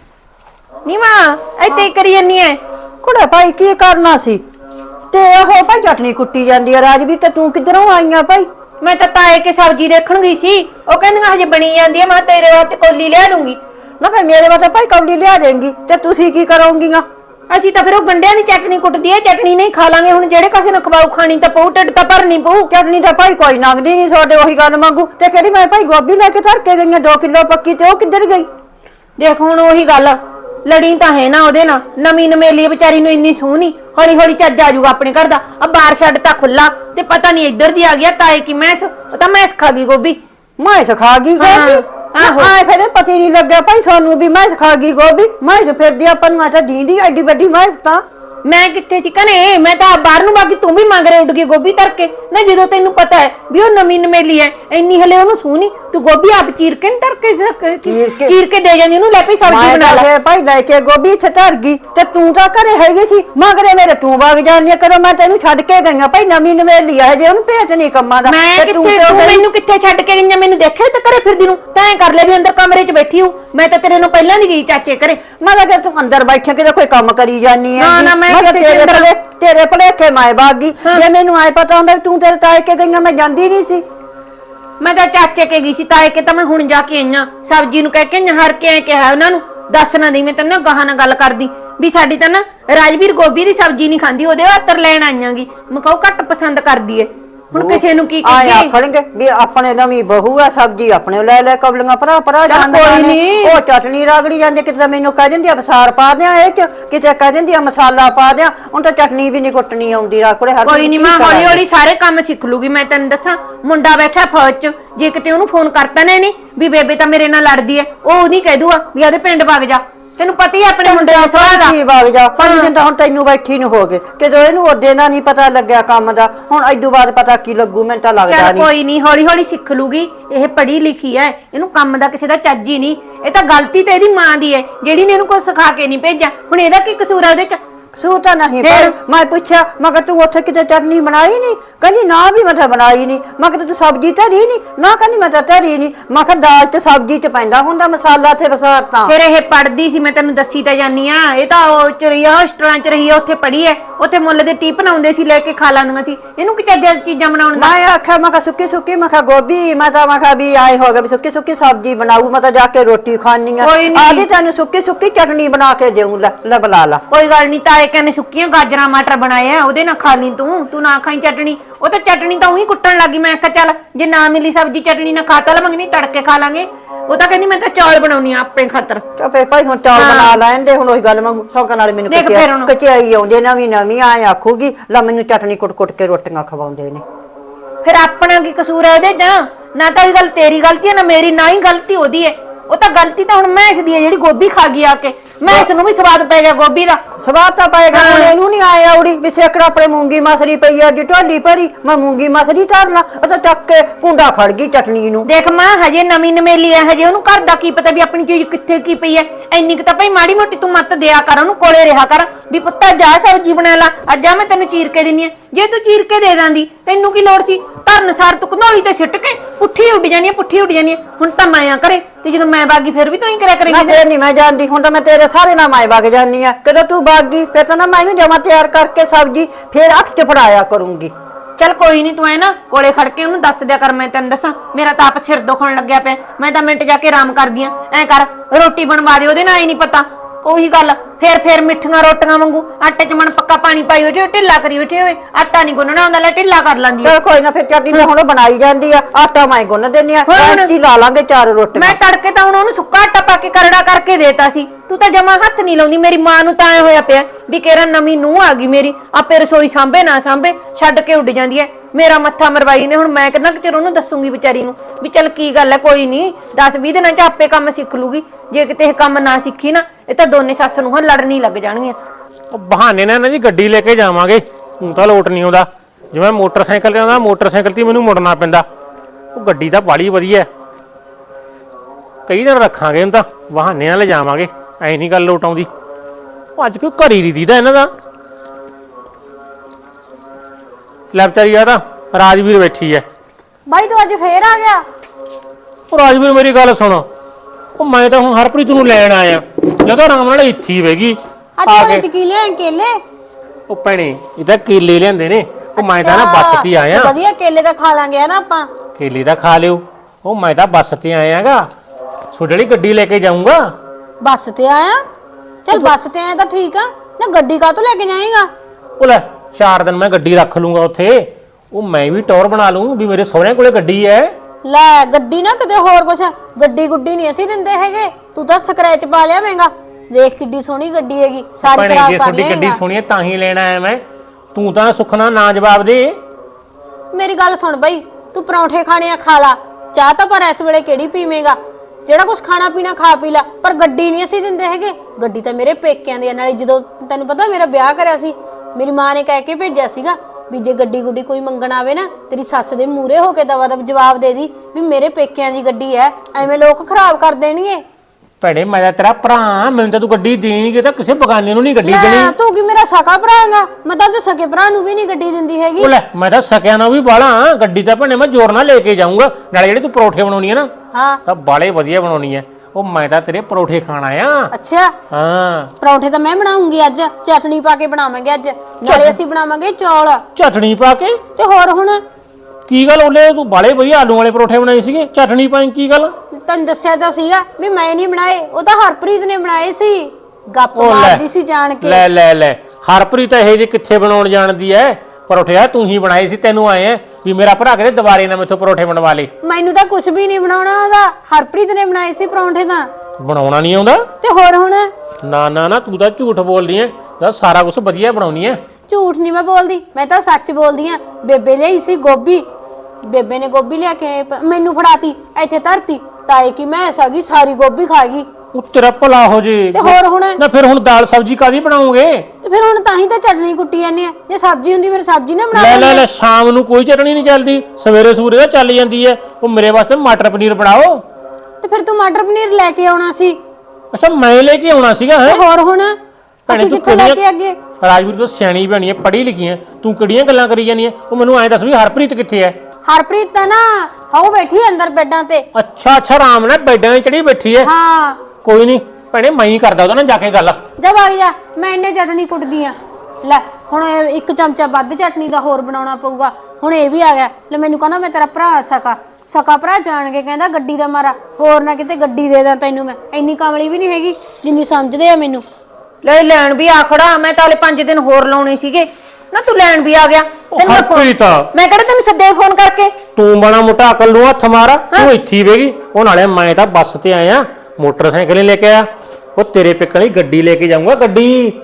ਨੀ ਮਾਂ ਇੱਥੇ ਹੀ ਕਰੀ ਜੰਨੀ ਐ
ਕੁੜੇ ਭਾਈ ਕੀ ਕਰਨਾ ਸੀ, ਤੇ ਉਹ ਭਾਈ ਚਟਨੀ ਕੁੱਟੀ ਜਾਂਦੀ ਆ ਰਾਜਵੀਰ, ਤੇ ਤੂੰ ਕਿੱਧਰੋਂ ਆਈਆਂ ਭਾਈ?
ਮੈਂ ਤਾਂ ਤਾਏ ਕੇ ਸਬਜ਼ੀ ਦੇਖਣ ਗਈ ਸੀ, ਉਹ ਕਹਿੰਦੀਆਂ ਹਜੇ ਬਣੀ ਜਾਂਦੀ ਹੈ, ਮੈਂ ਤੇਰੇ ਵਾਸਤੇ ਕੋਲੀ ਲਿਆ ਦੂੰਗੀ।
ਨਾ ਫਿਰ ਮੇਰੇ ਵਾਸਤੇ ਭਾਈ ਕੌਲੀ ਲਿਆ ਦੇਂਗੀ, ਤੇ ਤੁਸੀਂ ਕੀ ਕਰੋਗੀਆਂ?
ਅਸੀਂ ਤਾਂ ਫਿਰ ਉਹ ਗੰਡਿਆਂ ਦੀ ਚਟਨੀ ਕੁੱਟਦੀ ਐ, ਚਟਨੀ ਨਹੀਂ ਖਾ ਲਾਂਗੇ। ਹੁਣ ਜਿਹੜੇ ਕਿਸੇ ਨੂੰ ਖਵਾਉ ਖਾਣੀ ਤਾਂ ਪਊ, ਢਿੱਡ ਤਾਂ ਭਰਨੀ ਪਊ।
ਚਟਨੀ ਤਾਂ ਭਾਈ ਕੋਈ ਨੰਗਦੀ ਨਹੀਂ ਤੁਹਾਡੇ, ਉਹੀ ਗੱਲ ਮੰਗੂ। ਤੇ ਕਿਹੜੀ ਮੈਂ ਭਾਈ ਗੋਭੀ ਲੈ ਕੇ ਧਰ ਕੇ ਗਈਆਂ ਦੋ ਕਿਲੋ ਪੱਕੀ, ਤੇ ਉਹ ਕਿੱਧਰ ਗਈ?
ਦੇਖ ਹੁਣ ਉਹੀ ਗੱਲ, ਲੜੀ ਤਾਂ ਹੈ ਨਾ ਉਹਦੇ ਨਾਲ, ਨਵੀਂ ਨਮੇਲੀ ਵਿਚਾਰੀ ਨੂੰ ਇੰਨੀ ਸੋਹਣੀ, ਹੌਲੀ ਹੌਲੀ ਚੱਜ ਆ ਜਾਊਗਾ ਆਪਣੇ ਘਰ ਦਾ। ਆ ਬਾਹਰ ਛੱਡ ਤਾਂ ਖੁੱਲਾ, ਤੇ ਪਤਾ ਨਹੀਂ ਇੱਧਰ ਦੀ ਆ ਗਿਆ ਤਾਏ ਕੀ ਮੈਂਸ, ਉਹ ਤਾਂ ਮੈਂਸ ਖਾ ਗਈ ਗੋਭੀ।
ਮੈਂ ਸਿਖਾ ਗਈ ਗੋਭੀ?
ਆਹੋ।
ਆਏ ਫਿਰ ਪਤੀ ਨਹੀਂ ਲੱਗਿਆ ਭਾਈ ਸਾਨੂੰ ਵੀ ਮੈਂ ਸਿਖਾ ਗਈ ਗੋਭੀ। ਮੈਂ ਫਿਰਦੀ ਆਪਾਂ ਨੂੰ ਤਾਂ ਦੀਂਦੀ ਐਡੀ ਵੱਡੀ ਮੈਂ ਤਾਂ
ਮੈਂ ਕਿੱਥੇ ਸੀ ਕਨੇ, ਮੈਂ ਤਾਂ ਬਾਹਰ ਨੂੰ ਬਾਕੀ ਤੂੰ ਵੀ ਮੰਗ ਰਿਹਾ ਉੱਡ ਗਈ ਗੋਭੀ ਧਰ ਕੇ ਨਾ, ਜਦੋਂ ਤੈਨੂੰ ਪਤਾ ਹੈ ਵੀ ਉਹ ਨਵੀਂ ਨਮੇਲੀ ਹੈ, ਇੰਨੀ ਹਲੇ ਉਹਨੂੰ ਸੂਣੀ, ਤੂੰ ਗੋਭੀ ਆਪ ਚੀਰ ਕੇ ਨਹੀਂ ਧਰ ਕੇ
ਚੀਰ ਕੇ-
ਚੀਰ ਕੇ ਦੇ ਜਾਂਦੀ ਉਹਨੂੰ, ਲੈ ਪਈ ਸਬਜ਼ੀ
ਮੈਂ
ਬਣਾ ਲੈ।
ਤਾਂ ਭਾਈ ਲੈ ਕੇ ਗੋਭੀ ਇੱਥੇ ਧਰ ਗਈ, ਤੇ ਤੂੰ ਤਾਂ ਘਰੇ ਹੈਗੀ ਸੀ, ਮਗਰੇ ਮੇਰੇ ਤੂੰ ਵਗ ਜਾਂਦੀ ਕਰੋ। ਮੈਂ ਤੈਨੂੰ ਛੱਡ ਕੇ ਗਈਆਂ ਭਾਈ, ਨਵੀਂ ਨਵੇਲੀ ਆ ਜੇ ਉਹਨੂੰ ਭੇਤ ਨਹੀਂ ਕੰਮਾਂ ਦਾ।
ਮੈਂ
ਤੇ ਤੂੰ
ਕਿੱਥੇ,
ਕਿਉਂ
ਤੂੰ
ਗਈ?
ਮੈਨੂੰ ਕਿੱਥੇ ਛੱਡ ਕੇ ਗਈਆਂ? ਮੈਨੂੰ ਦੇਖਿਆ ਤੇ ਘਰੇ ਫਿਰਦੀ ਨੂੰ ਤਾਂ ਐ ਕਰ ਲੈ ਵੀ ਅੰਦਰ ਕਮਰੇ 'ਚ ਬੈਠੀ ਹੂੰ। ਮੈਂ ਤਾਂ ਤੇਰੇ ਨੂੰ ਪਹਿਲਾਂ ਦੀ ਗਈ ਚਾਚੇ ਘਰੇ।
ਮੈਂ ਲੱਗਾ ਤੂੰ ਅੰਦਰ ਬੈਠੇ ਕਿਤੇ ਕੋਈ ਕੰਮ ਕਰੀ ਜਾਨੀ ਹੈ।
ਨਾ, ਨਾ, ਮੈਂ ਕਿੱਥੇ ਸੀ ਅੰਦਰ?
ਤੇਰੇ ਭਲੇਖੇ ਮੈਂ ਬਾਗੀ, ਜੇ ਮੈਨੂੰ ਆਏ ਪਤਾ ਹੁੰਦਾ ਤੂੰ ਤੇਰੇ ਤਾਏ ਕੇ ਗਈਆਂ ਮੈਂ ਜਾਂਦੀ ਨਹੀਂ ਸੀ।
ਮੈਂ ਤਾਂ ਚਾਚੇ ਕੇ ਗਈ ਸੀ, ਤਾਏ ਕੇ ਤਾਂ ਮੈਂ ਹੁਣ ਜਾ ਕੇ ਆਈਆਂ। ਸਬਜ਼ੀ ਨੂੰ ਕਹਿ ਕੇ ਹਰ ਕੇ ਐ ਕਿਹਾ ਉਹਨਾਂ ਨੂੰ, ਦੱਸ ਨਾ ਦੀ ਮੈਂ ਤੈਨੂੰ ਨਾ ਗਾਹਾਂ ਨਾਲ ਗੱਲ ਕਰਦੀ ਵੀ ਸਾਡੀ ਤਾਂ ਨਾ ਰਾਜਵੀਰ ਗੋਭੀ ਦੀ ਸਬਜ਼ੀ ਨਹੀਂ ਖਾਂਦੀ, ਉਹਦੇ ਵਾਸਤੇ ਲੈਣ ਆਈਆਂਗੀ। ਮੈਂ ਕਹੂ ਘੱਟ ਪਸੰਦ ਕਰਦੀ ਏ। ਹੁਣ ਕਿਸੇ ਨੂੰ ਕੀ
ਆਏ
ਕਹੀਏ
ਆਖਣਗੇ ਵੀ ਆਪਣੇ ਨਵੀਂ ਬਹੂ ਆ ਸਬਜ਼ੀ ਆਪਣੇ ਲੈ ਲੈ ਕਬਲੀਆਂ ਭਰਾ ਭਰਾ
ਚੱਲ
ਜਾਂਦੇ
ਕੋਈ
ਨੇ
ਨੀ।
ਉਹ ਚਟਣੀ ਰਗੜੀ ਜਾਂਦੇ ਕਿਤੇ ਤਾਂ ਮੈਨੂੰ ਕਹਿ ਦਿੰਦੀ ਆ ਬਸਾਰ ਪਾ ਦਿਆਂ ਇਹ ਚ ਕਿਤੇ ਕਹਿ ਦਿੰਦੀ ਆ ਮਸਾਲਾ ਪਾ ਦਿਆਂ ਹੁਣ ਤਾਂ ਚਟਣੀ ਵੀ ਨਹੀਂ ਕੁੱਟਣੀ ਆਉਂਦੀ ਰਾਕੜੇ ਹਰ
ਕੋਈ ਨਹੀਂ, ਮੈਂ ਹੌਲੀ ਹੌਲੀ ਸਾਰੇ ਕੰਮ ਸਿੱਖ ਲੂਗੀ। ਮੈਂ ਤੈਨੂੰ ਦੱਸਾਂ, ਮੁੰਡਾ ਬੈਠਾ ਫੌਜ 'ਚ, ਜੇ ਕਿਤੇ ਉਹਨੂੰ ਫੋਨ ਕਰਤਾ ਨੇ ਨਹੀਂ ਵੀ ਬੇਬੇ ਤਾਂ ਮੇਰੇ ਨਾਲ ਲੜਦੀ ਐ, ਉਹ ਉਹਦੀ ਕਹਿ ਦੂਗਾ ਵੀ ਆਦੇ ਪਿੰਡ ਵਗ ਜਾ। ਤੈਨੂੰ ਪਤਾ ਹੀ ਆਪਣੇ ਮੁੰਡੇ ਦਾ ਸੁਭਾਅ ਦਾ।
ਕੀ ਵਗ ਜਾ ਪੰਜ ਦਿਨ ਤਾਂ ਹੁਣ ਤੈਨੂੰ ਬੈਠੀ ਨੂੰ ਹੋ ਗਏ ਕਿਦੋਂ ਇਹਨੂੰ ਉਹਦੇ ਨਾਲ ਨਹੀਂ ਪਤਾ ਲੱਗਿਆ ਕੰਮ ਦਾ, ਹੁਣ ਐਡੂ ਬਾਅਦ ਪਤਾ ਕੀ ਲੱਗੂ ਮੈਨੂੰ ਤਾਂ ਲੱਗਦਾ
ਚੱਲ
ਨਹੀਂ।
ਕੋਈ ਨਹੀਂ, ਹੌਲੀ ਹੌਲੀ ਸਿੱਖ ਲੂਗੀ। ਇਹ ਪੜ੍ਹੀ ਲਿਖੀ ਐ, ਇਹਨੂੰ ਕੰਮ ਦਾ ਕਿਸੇ ਦਾ ਚੱਜ ਹੀ ਨਹੀਂ। ਇਹ ਤਾਂ ਗਲਤੀ ਤੇ ਇਹਦੀ ਮਾਂ ਦੀ ਐ ਜਿਹੜੀ ਨੇ ਇਹਨੂੰ ਕੁਝ ਸਿਖਾ ਕੇ ਨਹੀਂ ਭੇਜਿਆ। ਹੁਣ ਇਹਦਾ ਕੀ ਕਸੂਰ ਹੈ ਉਹਦੇ 'ਚ?
ਕਸੂਰ ਤਾਂ ਨਹੀਂ ਪਰ ਮੈਂ ਪੁੱਛਿਆ ਮੈਂ ਕਿਹਾ ਤੂੰ ਉੱਥੇ ਕਿਤੇ ਚਟਨੀ ਬਣਾਈ ਨਹੀਂ, ਕਹਿੰਦੀ ਨਾ ਵੀ ਮੈਂ ਤਾਂ ਬਣਾਈ ਨਹੀਂ। ਮੈਂ ਕਿਹਾ ਤੂੰ ਸਬਜ਼ੀ ਧਰੀ ਨਹੀਂ, ਨਾ ਕਹਿੰਦੀ ਮੈਂ ਤਾਂ ਧਰੀ ਨਹੀਂ। ਮੈਂ ਕਿਹਾ ਦਾਲ ਚ ਸਬਜ਼ੀ ਚ ਪੈਂਦਾ ਹੁੰਦਾ ਮਸਾਲਾ ਤੇ ਬਸਾਰ ਤਾਂ।
ਫਿਰ ਇਹ ਪੜਦੀ ਸੀ, ਮੈਂ ਤੈਨੂੰ ਦੱਸੀ ਤਾਂ ਜਾਨੀ ਆ। ਇਹ ਤਾਂ ਉਹ ਚ ਰਹੀ ਆ, ਹੋਸਟਲਾਂ ਚ ਰਹੀ ਆ, ਉੱਥੇ ਪੜੀ ਐ, ਉੱਥੇ ਮੁੱਲ ਦੇ ਟੀ ਬਣਾਉਂਦੇ ਸੀ, ਲੈ ਕੇ ਖਾ ਲੈਂਦੀਆਂ ਸੀ। ਇਹਨੂੰ ਕਿ ਚੱਜ ਚੀਜ਼ਾਂ ਬਣਾਉਣ ਦਾ?
ਮੈਂ ਆਖਿਆ ਮੈਂ ਕਿਹਾ ਸੁੱਕੀ ਸੁੱਕੀ ਮੈਂ ਕਿਹਾ ਗੋਭੀ, ਮੈਂ ਤਾਂ ਮੈਂ ਕਿਹਾ ਵੀ ਆਏ ਹੋ ਗਿਆ ਵੀ ਸੁੱਕੀ ਸੁੱਕੀ ਸਬਜ਼ੀ ਬਣਾਊ, ਮੈਂ ਤਾਂ ਜਾ ਕੇ ਰੋਟੀ ਖਾਣੀ ਆ।
ਕੋਈ ਨੀ।
ਆਦੀ ਤੈਨੂੰ ਸੁੱਕੀ ਸੁੱਕੀ ਚਟਨੀ ਬਣਾ ਕੇ ਦੇਉਂ, ਲੈ ਬੁਲਾ ਲਾ।
ਕੋਈ ਗੱਲ ਨਹੀਂ, ਤਾਏ ਕਹਿੰਦੇ ਸੁੱਕੀਆਂ ਗਾਜਰਾਂ ਮਟਰ ਬਣਾਏ ਆ, ਉਹਦੇ ਨਾਲ ਖਾ ਲਈ ਤੂੰ ਤੂੰ ਨਾ ਖਾਈ ਚਟਣੀ। ਉਹ ਤਾਂ ਚਟਣੀ ਤਾਂ ਉਹੀ ਕੁੱਟਣ ਲੱਗੀ। ਮੈਂ ਕਿਹਾ ਚੱਲ ਜੇ ਨਾ ਮਿਲੀ ਸਬਜ਼ੀ ਚਟਣੀ ਨਾ ਖਾਤਾ ਲਵਾਂਗੇ, ਨਹੀਂ ਤੜਕੇ ਖਾ ਲਾਂਗੇ। ਉਹ ਤਾਂ ਕਹਿੰਦੀ ਮੈਂ ਤਾਂ ਚੌਲ ਬਣਾਉਣੀ ਆ ਆਪਣੇ ਖਾਤਰ।
ਤਾਂ ਫੇਰ ਭਾਈ ਹੁਣ ਚੌਲ ਬਣਾ ਲੈਂਦੇ, ਹੁਣ ਉਹੀ ਗੱਲ ਮੈਂ ਸੌਕਾਂ ਨਾਲ ਮੈਨੂੰ
ਦੇਖ ਫਿਰ ਹੁਣ।
ਕਚਾਈ ਆਉਂਦੇ ਨਵੀਂ ਨਵੀਂ ਆਏ ਆਖੂਗੀ ਲੈ ਮੈਨੂੰ ਚਟਨੀ ਕੁੱਟ ਕੁੱਟ ਕੇ ਰੋਟੀਆਂ ਖਵਾਉਂਦੇ ਨੇ।
ਫਿਰ ਆਪਣਾ ਕੀ ਕਸੂਰ ਹੈ ਉਹਦੇ 'ਚ? ਨਾ ਤਾਂ ਇਹ ਗੱਲ ਤੇਰੀ ਗਲਤੀ ਹੈ ਨਾ ਮੇਰੀ, ਨਾ ਹੀ ਗਲਤੀ ਉਹਦੀ ਹੈ। ਉਹ ਤਾਂ ਗਲਤੀ ਤਾਂ ਹੁਣ ਮੈਂਸ ਦੀ ਹੈ ਜਿਹੜੀ ਗੋਭੀ ਖਾ ਗਈ ਆ ਕੇ। ਮੈਂਸ ਨੂੰ ਵੀ ਸਵਾਦ ਪੈ ਗਿਆ ਗੋਭੀ ਦਾ।
ਸਵਾਦ ਤਾਂ ਪਏਗਾ, ਹੁਣ ਇਹਨੂੰ ਨਹੀਂ ਆਏ ਔੜੀ ਵੀ ਸੇਕੜਾ ਆਪਣੇ ਮੂੰਗੀ ਮਸਰੀ ਪਈ ਆ ਜੀ ਢੋਲੀ ਭਰੀ, ਮੈਂ ਮੂੰਗੀ ਮਸਰੀ ਧਰ ਲਾਂ। ਉਹ ਤਾਂ ਚੱਕ ਕੇ ਕੁੰਡਾ ਫੜ ਗਈ ਚਟਨੀ ਨੂੰ।
ਦੇਖ ਮਾਂ, ਹਜੇ ਨਵੀਂ ਨਵੇਲੀ ਹੈ, ਹਜੇ ਉਹਨੂੰ ਘਰ ਦਾ ਕੀ ਪਤਾ ਵੀ ਆਪਣੀ ਚੀਜ਼ ਕਿੱਥੇ ਕੀ ਪਈ ਹੈ। ਇੰਨੀ ਕੁ ਤਾਂ ਭਾਈ ਮਾੜੀ ਮੋਟੀ ਤੂੰ ਮੱਤ ਦਿਆ ਕਰ, ਉਹਨੂੰ ਕੋਲੇ ਰਿਹਾ ਕਰ ਵੀ ਪੁੱਤਾ ਜਾ ਸਬਜ਼ੀ ਬਣਾ ਲਾ, ਅੱਜ ਆ ਮੈਂ ਤੈਨੂੰ ਚੀਰ ਕੇ ਦਿੰਨੀ ਆ। ਜੇ ਤੂੰ ਚੀਰ ਕੇ ਦੇ ਦਾਂਦੀ ਤੈਨੂੰ ਕੀ ਲੋੜ ਸੀ? ਧਰਨ ਸਾਰ ਤੂੰ ਘਨੋਲੀ ਤੇ ਸਿੱਟ ਕੇ ਪੁੱਠੀ ਉੱਡ ਜਾਣੀ, ਪੁੱਠੀ ਉੱਡ ਜਾਣੀ। ਹੁਣ ਤਾਂ ਮੈਂ ਆ ਕਰੇ ਤੇ ਜਦੋਂ ਮੈਂ ਬਾਗੀ ਫਿਰ ਵੀ ਤੂੰ ਹੀ ਕਰਿਆ
ਨਾ
ਕਰੇਂਗੀ।
ਫੇਰ ਨਹੀਂ ਮੈਂ ਜਾਂਦੀ, ਹੁਣ ਤਾਂ ਮੈਂ ਤੇਰੇ ਸਾਰੇ ਨਾਲ ਮਾਏ ਵਗ ਜਾਨੀ ਆ। ਕਦੋਂ ਤੂੰ ਬਾਗੀ ਫਿਰ ਤਾਂ ਨਾ ਮੈਂ ਇਹਨੂੰ ਜਮਾ ਤਿਆਰ ਕਰਕੇ ਸਬਜ਼ੀ ਫੇਰ ਹੱਥ 'ਚ ਫੜਾਇਆ ਕਰੂੰਗੀ।
ਚੱਲ ਕੋਈ ਨਹੀਂ, ਤੂੰ ਐ ਨਾ ਕੋਲੇ ਖੜ ਕੇ ਉਹਨੂੰ ਦੱਸ ਦਿਆ ਕਰ। ਮੈਂ ਤੈਨੂੰ ਦੱਸਾਂ, ਮੇਰਾ ਤਾਂ ਆਪ ਸਿਰ ਦੁਖਣ ਲੱਗਿਆ ਪਿਆ। ਮੈਂ ਤਾਂ ਮਿੰਟ ਜਾ ਕੇ ਆਰਾਮ ਕਰਦੀ ਆ। ਐ ਕਰ ਰੋਟੀ ਬਣਵਾ ਦੇ, ਉਹਦੇ ਨਾਲ ਹੀ ਨਹੀਂ ਪਤਾ ਉਹੀ ਗੱਲ। ਫੇਰ ਫੇਰ ਮਿੱਠੀਆਂ ਰੋਟੀਆਂ ਵਾਂਗੂ ਆਟੇ 'ਚ ਮਣ ਪੱਕਾ ਪਾਣੀ ਪਾਈ ਹੋਏ, ਢਿੱਲਾ ਕਰੀ ਬੈਠੇ ਹੋਏ। ਆਟਾ ਨਹੀਂ ਗੁੰਨਣਾ ਹੁੰਦਾ, ਲੈ ਢਿੱਲਾ ਕਰ ਲੈਂਦੀ ਆ।
ਚਲ ਕੋਈ ਨਾ, ਫਿਰ ਚਟਨੀ ਤਾਂ ਹੁਣ ਬਣਾਈ ਜਾਂਦੀ ਆ, ਆਟਾ ਮੈਂ ਗੁੰਨ ਦਿੰਨੀ ਆ, ਐਂਚੀ ਲਾ ਲਾਂਗੇ ਚਾਰ ਰੋਟੀਆਂ।
ਮੈਂ ਤੜਕੇ ਤਾਂ ਹੁਣ ਉਹਨੂੰ ਸੁੱਕਾ ਆਟਾ ਪਾ ਕੇ ਕਰੜਾ ਕਰਕੇ ਦੇਤਾ ਸੀ। ਤੂੰ ਤਾਂ ਜਮਾ ਹੱਥ ਨਹੀਂ ਲਾਉਂਦੀ। ਮੇਰੀ ਮਾਂ ਨੂੰ ਤਾਂ ਐ ਹੋਇਆ ਪਿਆ ਵੀ ਕਿਹੜਾ ਨਵੀਂ ਨੂੰਹ ਆ ਗਈ ਮੇਰੀ, ਆਪੇ ਰਸੋਈ ਸਾਂਭੇ ਨਾ ਸਾਂਭੇ ਛੱਡ ਕੇ ਉੱਡ ਜਾਂਦੀ ਐ। ਮੇਰਾ ਮੱਥਾ ਮਰਵਾਈ ਨੇ। ਹੁਣ ਮੈਂ ਕਿੰਨਾ ਕੁ ਚਿਰ ਉਹਨੂੰ ਦੱਸੂਗੀ ਵਿਚਾਰੀ ਨੂੰ ਵੀ ਚੱਲ ਕੀ ਗੱਲ ਐ, ਕੋਈ ਨਹੀਂ ਦਸ ਵੀਹ ਦਿਨਾਂ 'ਚ ਆਪੇ ਕੰਮ ਸਿੱਖ ਲੂਗੀ। ਜੇ ਕਿਤੇ ਇਹ ਕੰਮ ਨਾ ਸਿੱਖੀ ਨਾ, ਇਹ ਤਾਂ ਦੋਨੇ ਸੱਸ ਨੂੰ ਲੜਨ ਹੀ ਲੱਗ ਜਾਣਗੀਆਂ।
ਉਹ ਬਹਾਨੇ ਨਾਲ ਨਾ ਜੀ ਗੱਡੀ ਲੈ ਕੇ ਜਾਵਾਂਗੇ, ਹੁਣ ਤਾਂ ਲੋਟ ਨਹੀਂ ਆਉਂਦਾ। ਜਿਵੇਂ ਮੋਟਰਸਾਈਕਲ ਤੇ ਆਉਂਦਾ, ਮੋਟਰਸਾਈਕਲ ਤੇ ਮੈਨੂੰ ਮੁੜਨਾ ਪੈਂਦਾ। ਉਹ ਗੱਡੀ ਤਾਂ ਬਾਲੀ ਵਧੀਆ, ਕਈ ਦਿਨ ਰੱਖਾਂਗੇ ਹੁਣ ਤਾਂ ਬਹਾਨੇ ਨਾਲ ਲੈ ਜਾਵਾਂਗੇ। ਐ ਨਹੀਂ ਗੱਲ ਲੋਟ ਆਉਂਦੀ। ਉਹ ਅੱਜ ਕੋਈ ਘਰ ਹੀ ਨਹੀਂ ਦੀਦਾ ਇਹਨਾਂ ਦਾ। ਲੈ ਵਿਚਾਰੀ ਆ ਤਾਂ ਰਾਜਵੀਰ ਬੈਠੀ ਐ।
ਬਾਈ ਤੂੰ ਅੱਜ ਫੇਰ ਆ ਗਿਆ?
ਉਹ ਰਾਜਵੀਰ ਮੇਰੀ ਗੱਲ ਸੁਣ, ਉਹ ਮੈਂ ਤਾਂ ਹੁਣ ਹਰਪ੍ਰੀਤ ਨੂੰ ਲੈਣ ਆਇਆ, ਜਦੋਂ ਆਰਾਮ ਨਾਲ ਇੱਥੇ ਹੀ ਬੈਗੀ
ਅੱਜ ਕੋਲੇ ਚ ਕੀ ਲਿਆ? ਕੇਲੇ?
ਉਹ ਭੈਣੇ ਇਹ ਤਾਂ ਕੇਲੇ ਲਿਆਂਦੇ ਨੇ। ਉਹ ਮੈਂ ਤਾਂ ਨਾ ਬੱਸ ਤੇ ਆਇਆ।
ਵਧੀਆ ਕੇਲੇ ਤਾਂ ਖਾ ਲਾਂਗੇ ਨਾ ਆਪਾਂ।
ਕੇਲੇ ਤਾਂ ਖਾ ਲਿਓ। ਉਹ ਮੈਂ ਤਾਂ ਬੱਸ ਤੇ ਆਇਆਗਾ, ਤੁਹਾਡੇ ਲਈ ਗੱਡੀ ਲੈ ਕੇ ਜਾਊਂਗਾ।
ਬੱਸ ਤੇ ਆਇਆ? ਚੱਲ ਬੱਸ ਤੇ ਆਇਆ ਤਾਂ ਠੀਕ ਆ ਨਾ, ਗੱਡੀ ਕਾਹਤੋਂ ਲੈ ਕੇ ਜਾਏਗਾ?
ਉਹ ਲੈ ਚਾਰ ਦਿਨ ਮੈਂ ਗੱਡੀ ਰੱਖ ਲੂੰਗਾ ਉੱਥੇ। ਉਹ ਮੈਂ ਵੀ ਟੌਰ ਬਣਾ ਲੂੰ ਵੀ ਮੇਰੇ ਸਹੁਰਿਆਂ ਕੋਲੇ ਗੱਡੀ ਐ।
ਲੈ ਗੱਡੀ ਨਾ ਕਿਤੇ ਹੋਰ ਕੁਛ, ਗੱਡੀ ਗੁੱਡੀ ਨਹੀਂ ਅਸੀਂ ਦਿੰਦੇ ਹੈਗੇ। ਤੂੰ ਤਾਂ ਸਕ੍ਰੈਚ ਪਾ ਲਿਆ ਮੈਂਗਾ। ਦੇਖ ਕਿੱਡੀ ਸੋਹਣੀ ਗੱਡੀ ਹੈਗੀ, ਸਾਰੀ
ਭੈਣੇ
ਖਰਾਬ
ਜੇ
ਕਰ
ਤੁਹਾਡੀ
ਲਿਆ।
ਗੱਡੀ ਸੋਹਣੀ ਐ ਤਾਂ ਹੀ ਲੈਣ ਆਇਆ ਮੈਂ। ਤੂੰ ਤਾਂ ਸੁਖਣਾ ਨਾ ਜਵਾਬ ਦੇ।
ਮੇਰੀ ਗੱਲ ਸੁਣ ਬਈ, ਤੂੰ ਪਰੌਂਠੇ ਖਾਣੇ ਆ ਖਾ ਲਾ, ਚਾਹ ਤਾਂ ਪਰ ਇਸ ਵੇਲੇ ਕਿਹੜੀ ਪੀਵੇਂਗਾ? ਜਿਹੜਾ ਕੁਛ ਖਾਣਾ ਪੀਣਾ ਖਾ ਪੀ ਲਾ, ਪਰ ਗੱਡੀ ਨਹੀਂ ਅਸੀਂ ਦਿੰਦੇ ਹੈਗੇ। ਗੱਡੀ ਤਾਂ ਮੇਰੇ ਪੇਕਿਆਂ ਦੀ। ਨਾਲੇ ਜਦੋਂ ਤੈਨੂੰ ਪਤਾ ਮੇਰਾ ਵਿਆਹ ਕਰਿਆ ਸੀ, ਮੇਰੀ ਮਾਂ ਨੇ ਕਹਿ ਕੇ ਭੇਜਿਆ ਸੀਗਾ ਵੀ ਜੇ ਗੱਡੀ ਗੁੱਡੀ ਕੋਈ ਮੰਗਣ ਆਵੇ ਨਾ, ਤੇਰੀ ਸੱਸ ਦੇ ਮੂਹਰੇ ਹੋ ਕੇ ਦਵਾ ਦਵ ਜਵਾਬ ਦੇ ਦੀ ਵੀ ਮੇਰੇ ਪੇਕਿਆਂ ਦੀ ਗੱਡੀ ਐ, ਐਵੇਂ ਲੋਕ ਖਰਾਬ ਕਰ ਦੇਣਗੇ।
ਭੈਣੇ ਮੈਂ ਤਾਂ ਤੇਰਾ ਭਰਾ, ਮੈਨੂੰ ਤਾਂ ਤੂੰ ਗੱਡੀ ਦੇਂਗੀ ਤਾਂ ਕਿਸੇ ਬਗਾਨੇ ਨੂੰ ਨਹੀਂ ਗੱਡੀ
ਲੈ
ਦੇਣੀ।
ਤੂੰ ਕੀ ਮੇਰਾ ਸਕਾ ਭਰਾ ਹੈਗਾ? ਮੈਂ ਤਾਂ ਤੇ ਸਕੇ ਭਰਾ ਨੂੰ ਵੀ ਨਹੀਂ ਗੱਡੀ ਦਿੰਦੀ ਹੈਗੀ।
ਉਹ ਲੈ ਮੈਂ ਤਾਂ ਸਕਿਆ ਨਾ ਵੀ ਬਾਲਾ ਗੱਡੀ ਤਾਂ ਭੈਣੇ ਮੈਂ ਜ਼ੋਰ ਨਾਲ ਲੈ ਕੇ ਜਾਊਂਗਾ। ਨਾਲੇ ਜਿਹੜੇ ਤੂੰ ਪਰੌਠੇ ਬਣਾਉਣੀ ਹੈ ਨਾ,
ਹਾਂ
ਤਾਂ ਬਾਲੇ ਵਧੀਆ ਬਣਾਉਣੀ ਹੈ। ਉਹ ਮੈਂ ਤਾਂ ਤੇਰੇ ਪਰੌਠੇ ਖਾਣ ਆਇਆ।
ਅੱਛਾ
ਹਾਂ
ਪਰੌਂਠੇ ਤਾਂ ਮੈਂ ਬਣਾਉਂਗੀ ਅੱਜ, ਚਟਣੀ ਪਾ ਕੇ ਬਣਾਵਾਂਗੇ ਅੱਜ। ਨਾਲੇ ਅਸੀਂ ਬਣਾਵਾਂਗੇ ਚੌਲ
ਚਟਣੀ ਪਾ ਕੇ।
ਤੇ ਹੋਰ ਹੁਣ
ਕੀ ਗੱਲ ਉਹਲੇ ਤੂੰ ਬਾਲੇ ਵਧੀਆ ਆਲੂ ਵਾਲੇ ਪਰੌਠੇ ਬਣਾਏ ਸੀਗੇ, ਚਟਣੀ ਪਾਈ ਕੀ ਗੱਲ?
ਤੈਨੂੰ ਦੱਸਿਆ ਤਾਂ ਸੀਗਾ ਵੀ ਮੈਂ ਨਹੀਂ ਬਣਾਏ, ਉਹ ਤਾਂ ਹਰਪ੍ਰੀਤ ਨੇ ਬਣਾਏ ਸੀ। ਗੱਪ
ਉਹ ਲੈ
ਮਾਰਦੀ ਸੀ ਜਾਣ ਕੇ।
ਲੈ ਲੈ ਲੈ ਹਰਪ੍ਰੀਤ ਇਹ ਜੇ ਕਿੱਥੇ ਬਣਾਉਣ ਜਾਣਦੀ ਐ? ਪਰੌਠੇ ਆ ਤੂੰ ਹੀ ਬਣਾਏ ਸੀ, ਤੈਨੂੰ ਆਏ ਆ ਵੀ ਮੇਰਾ ਭਰਾ ਕਿਤੇ ਦੁਬਾਰੇ ਨਾ ਮੈਥੋਂ ਪਰੌਠੇ ਬਣਵਾ ਲੇ।
ਮੈਨੂੰ ਤਾਂ ਕੁਝ ਵੀ ਨਹੀਂ ਬਣਾਉਣਾ ਆਉਂਦਾ, ਹਰਪ੍ਰੀਤ ਨੇ ਬਣਾਏ ਸੀ ਪਰੌਂਠੇ ਤਾਂ।
ਬਣਾਉਣਾ ਨਹੀਂ ਆਉਂਦਾ?
ਤੇ ਹੋਰ ਹੁਣ
ਨਾ ਨਾ ਨਾ ਤੂੰ ਤਾਂ ਝੂਠ ਬੋਲਦੀ ਐ, ਤਾਂ ਸਾਰਾ ਕੁਝ ਵਧੀਆ ਬਣਾਉਣੀ ਐ।
ਝੂਠ ਨਹੀਂ ਮੈਂ ਬੋਲਦੀ, ਮੈਂ ਤਾਂ ਸੱਚ ਬੋਲਦੀ ਆ। ਬੇਬੇ ਲਈ ਸੀ ਗੋਭੀ, ਬੇਬੇ ਨੇ ਗੋਭੀ ਲਿਆ ਕੇ ਪ- ਮੈਨੂੰ ਫੜਾਤੀ, ਇੱਥੇ ਧਰਤੀ, ਤਾਏ ਕੀ ਮੈਂ ਸਾਗੀ ਸਾਰੀ ਗੋਭੀ ਖਾ ਗਈ।
ਉਹ ਤੇਰਾ ਭਲਾ ਹੋ ਜੇ।
ਤੇ ਹੋਰ ਹੁਣ
ਨਾ ਫਿਰ ਹੁਣ ਦਾਲ ਸਬਜ਼ੀ ਕਾਦੀ ਬਣਾਉਂਗੇ?
ਤੇ ਫਿਰ ਹੁਣ ਤਾਂ ਹੀ ਤਾਂ ਚਟਣੀ ਕੁੱਟੀ ਜਾਂਦੇ ਆ। ਜੇ ਸਬਜ਼ੀ ਹੁੰਦੀ ਫਿਰ ਸਬਜ਼ੀ ਨਾ ਬਣਾ
ਲੈ ਲੈ
ਲੈਂਦੇ।
ਲੈ ਸ਼ਾਮ ਨੂੰ ਕੋਈ ਚਟਣੀ ਨਹੀਂ ਚੱਲਦੀ, ਸਵੇਰੇ ਸੂਰੇ ਦਾ ਚੱਲ ਜਾਂਦੀ ਐ। ਉਹ ਮੇਰੇ ਵਾਸਤੇ ਮਟਰ ਪਨੀਰ ਬਣਾਓ।
ਤੇ ਫਿਰ ਤੂੰ ਮਟਰ ਪਨੀਰ ਲੈ ਕੇ ਆਉਣਾ ਸੀ।
ਅੱਛਾ ਮੈਂ ਲੈ ਕੇ ਆਉਣਾ ਸੀਗਾ
ਤੇ
ਹੈ?
ਹੋਰ ਹੁਣ
ਭੈਣੇ
ਅਸੀਂ
ਤੂੰ
ਕਿੱਥੋਂ ਲੈ ਕੇ
ਕਿਹੜੀਆਂ
ਅੱਗੇ?
ਰਾਜਵੀਰ ਤੋਂ ਸਿਆਣੀ ਬਣੀ ਐ, ਪੜ੍ਹੀ ਲਿਖੀ ਐ, ਤੂੰ ਕਿਹੜੀਆਂ ਗੱਲਾਂ ਕਰੀ ਜਾਂਦੀ ਐ? ਉਹ ਮੈਨੂੰ ਐਂ ਦੱਸ ਵੀ ਹਰਪ੍ਰੀਤ ਕਿੱਥੇ ਐ?
ਹਰਪ੍ਰੀਤ ਤਾਂ ਨਾ ਹਾਉ ਬੈਠੀ ਆ ਅੰਦਰ ਬੈੱਡਾਂ ਤੇ।
ਅੱਛਾ ਅੱਛਾ ਆਰਾਮ ਨਾਲ ਬੈਡਾਂ 'ਤੇ ਚੜੀ ਬੈਠੀ ਐ।
ਹਾਂ
ਕੋਈ ਨਹੀਂ ਭੈਣੇ ਮੈਂ ਹੀ ਕਰਦਾ ਉਹਦਾ ਨਾ ਜਾ ਕੇ ਗੱਲ।
ਜਾ ਵਗ ਜਾ, ਮੈਂ ਇੰਨੇ ਚਟਣੀ ਕੁੱਟਦੀ ਆ। ਲੈ ਹੁਣ ਇਹ ਇੱਕ ਚਮਚਾ ਵੱਧ ਚਟਣੀ ਦਾ ਹੋਰ ਬਣਾਉਣਾ ਪਊਗਾ। ਹੁਣ ਇਹ ਵੀ ਆ ਗਿਆ। ਲੈ ਮੈਨੂੰ ਕਹਿੰਦਾ ਮੈਂ ਤੇਰਾ ਭਰਾ ਸਕਾ ਸਕਾ ਭਰਾ ਜਾਣ ਕੇ ਕਹਿੰਦਾ ਗੱਡੀ ਦਾ ਮਾਰਾ, ਹੋਰ ਨਾ ਕਿਤੇ ਗੱਡੀ ਦੇ ਦਾਂ ਤੈਨੂੰ। ਮੈਂ ਇੰਨੀ ਕਮਲੀ ਵੀ ਨਹੀਂ ਹੈਗੀ ਜਿੰਨੀ ਸਮਝਦੇ ਆ ਮੈਨੂੰ।
ਲੈ ਲੈਣ ਵੀ ਆ ਖੜਾ, ਮੈਂ ਤਾਂ ਹਲੇ ਪੰਜ ਦਿਨ ਹੋਰ ਲਾਉਣੇ ਸੀਗੇ ਨਾ, ਤੂੰ ਲੈਣ ਵੀ ਆ ਗਿਆ। ਤੈਨੂੰ ਮੈਂ ਫੋਨ-
ਹਰਪ੍ਰੀਤ
ਮੈਂ ਕਿਹੜਾ ਤੈਨੂੰ ਸੱਦੇ ਫੋਨ ਕਰਕੇ?
ਤੂੰ ਬਣਾ ਮੋਟਾ ਅਕਲ ਨੂੰ ਹੱਥ ਮਾਰ, ਤੂੰ ਇੱਥੇ ਹੀ ਵੇਗੀ। ਉਹ ਨਾਲੇ ਮੈਂ ਤਾਂ ਬੱਸ ਤੇ ਆਇਆ, ਮੋਟਰਸਾਈਕਲ ਹੀ ਲੈ ਕੇ ਆਇਆ। ਉਹ ਤੇਰੇ ਪਿੱਕਣ ਦੀ ਗੱਡੀ ਲੈ ਕੇ ਜਾਊਂਗਾ। ਗੱਡੀ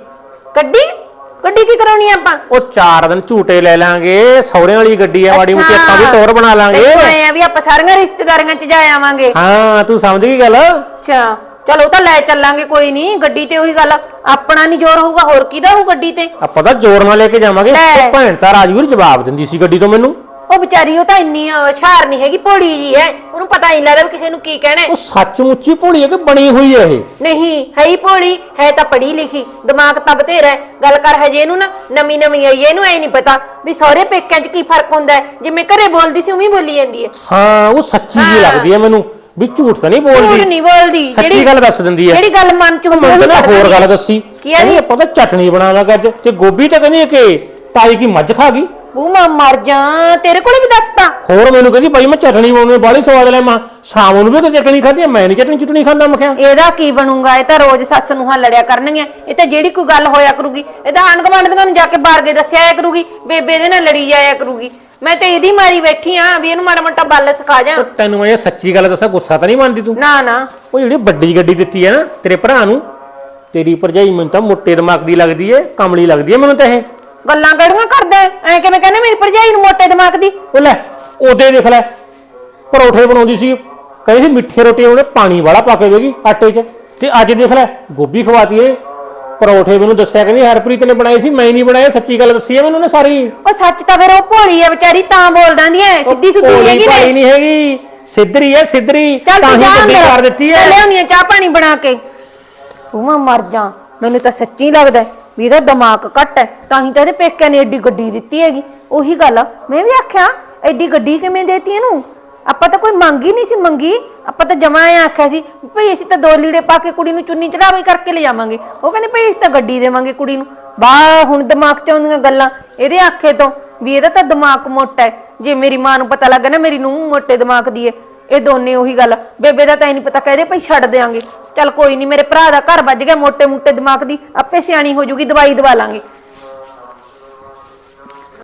ਗੱਡੀ ਗੱਡੀ ਕੀ ਕਰਾਉਣੀ ਆ ਆਪਾਂ?
ਉਹ ਚਾਰ ਦਿਨ ਝੂਟੇ ਲੈ ਲਾਂਗੇ, ਸਹੁਰਿਆਂ ਵਾਲੀ ਗੱਡੀ ਆ, ਮਾੜੀ ਮੋਟੀ ਆਪਾਂ ਵੀ ਟੋਰ ਬਣਾ ਲਾਂਗੇ।
ਦੇਖੋ ਐ ਆ ਵੀ ਆਪਾਂ ਸਾਰੀਆਂ ਰਿਸ਼ਤੇਦਾਰੀਆਂ ਚ ਜਾ ਆਵਾਂਗੇ।
ਹਾਂ ਤੂੰ ਸਮਝ ਗਈ ਗੱਲ।
ਅੱਛਾ ਚਲ ਉਹ ਤਾਂ ਲੈ ਚੱਲਾਂਗੇ, ਕੋਈ ਨਹੀਂ। ਗੱਡੀ ਤੇ ਉਹੀ ਗੱਲ, ਆਪਣਾ ਨਹੀਂ ਜ਼ੋਰ ਹੋਊਗਾ, ਹੋਰ ਕਿਹਦਾ ਹੋਊ ਗੱਡੀ ਤੇ?
ਆਪਾਂ ਤਾਂ ਜ਼ੋਰ ਨਾਲ ਲੈ ਕੇ ਜਾਵਾਂਗੇ।
ਲੈ।
ਉਹ ਭੈਣ ਤਾਂ ਰਾਜਵੀਰ ਜਵਾਬ ਦਿੰਦੀ ਸੀ ਗੱਡੀ ਤੋਂ ਮੈਨੂੰ।
ਉਹ ਵਿਚਾਰੀ ਉਹ ਤਾਂ ਇੰਨੀ ਹੁਸ਼ਿਆਰ ਨਹੀਂ ਹੈਗੀ, ਭੋਲੀ ਜੀ ਹੈ, ਉਹਨੂੰ ਪਤਾ ਹੀ ਨਹੀਂ ਲੱਗਦਾ ਵੀ ਕਿਸੇ ਨੂੰ ਕੀ ਕਹਿਣਾ ਹੈ।
ਉਹ ਸੱਚਮੁੱਚੀ ਭੋਲੀ ਹੈ ਕਿ ਬਣੀ ਹੋਈ ਹੈ ਇਹ?
ਨਹੀਂ ਹੈ ਹੀ ਭੋਲੀ, ਹੈ ਤਾਂ ਪੜ੍ਹੀ ਲਿਖੀ, ਦਿਮਾਗ ਤਾਂ ਬਥੇਰਾ ਹੈ। ਗੱਲ ਕਰ ਹਜੇ ਇਹਨੂੰ ਨਾ ਨਵੀਂ ਨਵੀਂ ਆਈ ਹੈ, ਇਹਨੂੰ ਐ ਨਹੀਂ ਪਤਾ ਵੀ ਸਹੁਰੇ ਪੇਕਿਆਂ 'ਚ ਕੀ ਫਰਕ ਹੁੰਦਾ ਹੈ। ਜਿਵੇਂ ਘਰੇ ਬੋਲਦੀ ਸੀ ਉਵੇਂ ਹੀ ਬੋਲੀ ਜਾਂਦੀ ਹੈ।
ਹਾਂ ਉਹ ਸੱਚੀ ਜੀ ਲੱਗਦੀ ਹੈ ਮੈਨੂੰ, ਵੀ ਝੂਠ ਤਾਂ ਨਹੀਂ
ਝੂਠ
ਬੋਲਦੀ,
ਨਹੀਂ ਬੋਲਦੀ,
ਸੱਚੀ ਗੱਲ ਦੱਸ ਦਿੰਦੀ ਹੈ।
ਜਿਹੜੀ ਗੱਲ ਮਨ 'ਚ ਹੁੰਦੀ
ਮੈਨੂੰ ਤਾਂ ਹੋਰ ਗੱਲ ਦੱਸੀ,
ਕੀ ਆ
ਕਹਿੰਦੀ
ਜੀ?
ਆਪਾਂ ਤਾਂ ਚਟਣੀ ਬਣਾਵਾਂਗੇ ਅੱਜ, ਤੇ ਗੋਭੀ ਤਾਂ ਕਹਿੰਦੀ ਕਿ ਤਾਈ ਕੀ ਮੱਝ ਖਾ ਗਈ।
ਉਹ ਮੈਂ ਮਰ ਜਾ, ਤੇਰੇ ਕੋਲੇ ਵੀ ਦੱਸਤਾ?
ਹੋਰ ਮੈਨੂੰ ਕਹਿੰਦੀ ਭਾਈ ਮੈਂ ਚਟਣੀ ਬਣਾਉਣੀ ਬਾਲੀ ਸਵਾਦ ਲੈ, ਮਾਂ ਸ਼ਾਮ ਨੂੰ ਵੀ ਤਾਂ ਚਟਣੀ ਖਾਧੀ, ਮੈਂ ਨਹੀਂ ਚਟਣੀ ਚਟਣੀ ਖਾਂਦਾ। ਮੈਂ ਕਿਹਾ
ਇਹਦਾ ਕੀ ਬਣੂਗਾ? ਇਹ ਤਾਂ ਰੋਜ਼ ਸੱਸ ਨੂੰ ਹਾਂ ਲੜਿਆ ਕਰਨਗੀਆਂ। ਇਹ ਤਾਂ ਜਿਹੜੀ ਕੋਈ ਗੱਲ ਹੋਇਆ ਕਰੂਗੀ ਇਹ ਤਾਂ ਆਂਢ ਗੁਆਂਢੀਆਂ ਨੂੰ ਜਾ ਕੇ ਬਾਰ ਕੇ ਦੱਸਿਆ ਆਇਆ ਕਰੂਗੀ, ਬੇਬੇ ਦੇ ਨਾਲ ਲੜੀ ਜਾਇਆ ਕਰੂਗੀ। ਮੈਂ ਤਾਂ ਇਹਦੀ ਮਾਰੀ ਬੈਠੀ ਆ ਵੀ ਇਹਨੂੰ ਮਾੜਾ ਮੋਟਾ ਬੱਲ ਸਿਖਾ ਜਾ।
ਉਹ ਤੈਨੂੰ ਮੈਂ ਇਹ ਸੱਚੀ ਗੱਲ ਦੱਸਾਂ, ਗੁੱਸਾ ਤਾਂ ਨਹੀਂ ਮੰਨਦੀ ਤੂੰ?
ਨਾ ਨਾ
ਉਹ ਜਿਹੜੀ ਵੱਡੀ ਗੱਡੀ ਦਿੱਤੀ ਹੈ ਨਾ ਤੇਰੇ ਭਰਾ ਨੂੰ, ਤੇਰੀ ਭਰਜਾਈ ਮੈਨੂੰ ਤਾਂ ਮੋਟੇ ਦਿਮਾਗ ਦੀ ਲੱਗਦੀ ਏ, ਕਮਲੀ ਲੱਗਦੀ ਏ ਮੈਨੂੰ ਤਾਂ ਇਹ।
ਗੱਲਾਂ ਕਿਹੜੀਆਂ ਕਰਦਾ ਐ? ਕਿਵੇਂ ਕਹਿੰਦੇ ਮੇਰੀ ਭਰਜਾਈ ਨੂੰ ਮੋਟੇ ਦਿਮਾਗ ਦੀ?
ਉਹ ਲੈ ਉਹਦੇ ਦੇਖ ਲੈ, ਪਰੌਠੇ ਬਣਾਉਂਦੀ ਸੀ, ਕਹਿੰਦੀ ਸੀ ਮਿੱਠੀ ਰੋਟੀ ਉਹਨੇ ਪਾਣੀ ਵਾਲਾ ਪਾ ਕੇ ਵੇਗੀ ਆਟੇ 'ਚ, ਤੇ ਅੱਜ ਦੇਖ ਲੈ ਗੋਭੀ ਖਵਾਤੀ ਏ। ਪਰੌਠੇ ਮੈਨੂੰ ਦੱਸਿਆ ਕਹਿੰਦੀ ਹਰਪ੍ਰੀਤ ਨੇ ਬਣਾਏ ਸੀ, ਮੈਂ ਨਹੀਂ ਬਣਾਏ। ਸੱਚੀ ਗੱਲ ਦੱਸੀ ਹੈ ਮੈਨੂੰ ਉਹਨੇ ਸਾਰੀ।
ਉਹ ਸੱਚ ਤਾਂ ਫਿਰ ਉਹ ਭੋਲੀ ਆ ਵਿਚਾਰੀ, ਤਾਂ ਬੋਲ ਦਿੰਦੀ ਐ, ਸਿੱਧੀ ਸੁੱਧੀ
ਭੋਲੀ
ਹੈਗੀ
ਭਾਲੀ
ਨੇ।
ਨਹੀਂ ਹੈਗੀ, ਸਿੱਧਰੀ ਹੈ ਸਿੱਧਰੀ,
ਚੱਲ
ਤਾਂ
ਤੂੰ
ਹੀ
ਜਾ
ਗੱਡੀ
ਅੰਦਰ,
ਕਰ ਦਿੱਤੀ
ਮੈਂ
ਹੈ।
ਲਿਆਉਣੀ ਆ ਚਾਹ ਪਾਣੀ ਬਣਾ ਕੇ। ਤੂੰ ਮੈਂ ਮਰ ਜਾ, ਮੈਨੂੰ ਤਾਂ ਸੱਚੀ ਲੱਗਦਾ ਵੀ ਇਹਦਾ ਦਿਮਾਗ ਘੱਟ ਹੈ, ਤਾਂ ਹੀ ਤਾਂ ਇਹਦੇ ਪੇਕਿਆਂ ਨੇ ਐਡੀ ਗੱਡੀ ਦਿੱਤੀ ਹੈਗੀ। ਉਹੀ ਗੱਲ ਆ, ਮੈਂ ਵੀ ਆਖਿਆ ਐਡੀ ਗੱਡੀ ਕਿਵੇਂ ਦੇਤੀ ਇਹਨੂੰ? ਆਪਾਂ ਤਾਂ ਕੋਈ ਮੰਗੀ ਨਹੀਂ ਸੀ ਮੰਗੀ, ਆਪਾਂ ਤਾਂ ਜਮਾ ਐ ਆਖਿਆ ਸੀ ਭਈ ਅਸੀਂ ਤਾਂ ਦੋ ਲੀੜੇ ਪਾ ਕੇ ਕੁੜੀ ਨੂੰ ਚੁੰਨੀ ਚੜਾਵੇ ਕਰਕੇ ਲੈ ਜਾਵਾਂਗੇ। ਉਹ ਕਹਿੰਦੇ ਭਈ ਅਸੀਂ ਤਾਂ ਗੱਡੀ ਦੇਵਾਂਗੇ ਕੁੜੀ ਨੂੰ। ਬਾ ਹੁਣ ਦਿਮਾਗ 'ਚ ਆਉਂਦੀਆਂ ਗੱਲਾਂ ਇਹਦੇ ਆਖੇ ਤੋਂ ਵੀ ਇਹਦਾ ਤਾਂ ਦਿਮਾਗ ਮੋਟਾ ਹੈ। ਜੇ ਮੇਰੀ ਮਾਂ ਨੂੰ ਪਤਾ ਲੱਗਾ ਨਾ ਮੇਰੀ ਨੂੰਹ ਮੋਟੇ ਦਿਮਾਗ ਦੀ ਹੈ, ਇਹ ਦੋਨੇ ਉਹੀ ਗੱਲ। ਬੇਬੇ ਦਾ ਤਾਂ ਨਹੀਂ ਪਤਾ, ਕਹਦੇ ਭਈ ਛੱਡ ਦੇਾਂਗੇ। ਚੱਲ ਕੋਈ ਨਹੀਂ, ਮੇਰੇ ਭਰਾ ਦਾ ਘਰ ਵੱਜ ਗਿਆ, ਮੋਟੇ ਮੋਟੇ ਦਿਮਾਗ ਦੀ ਆਪੇ ਸਿਆਣੀ ਹੋ ਜੂਗੀ, ਦਵਾਈ ਦਵਾ ਲਾਂਗੇ।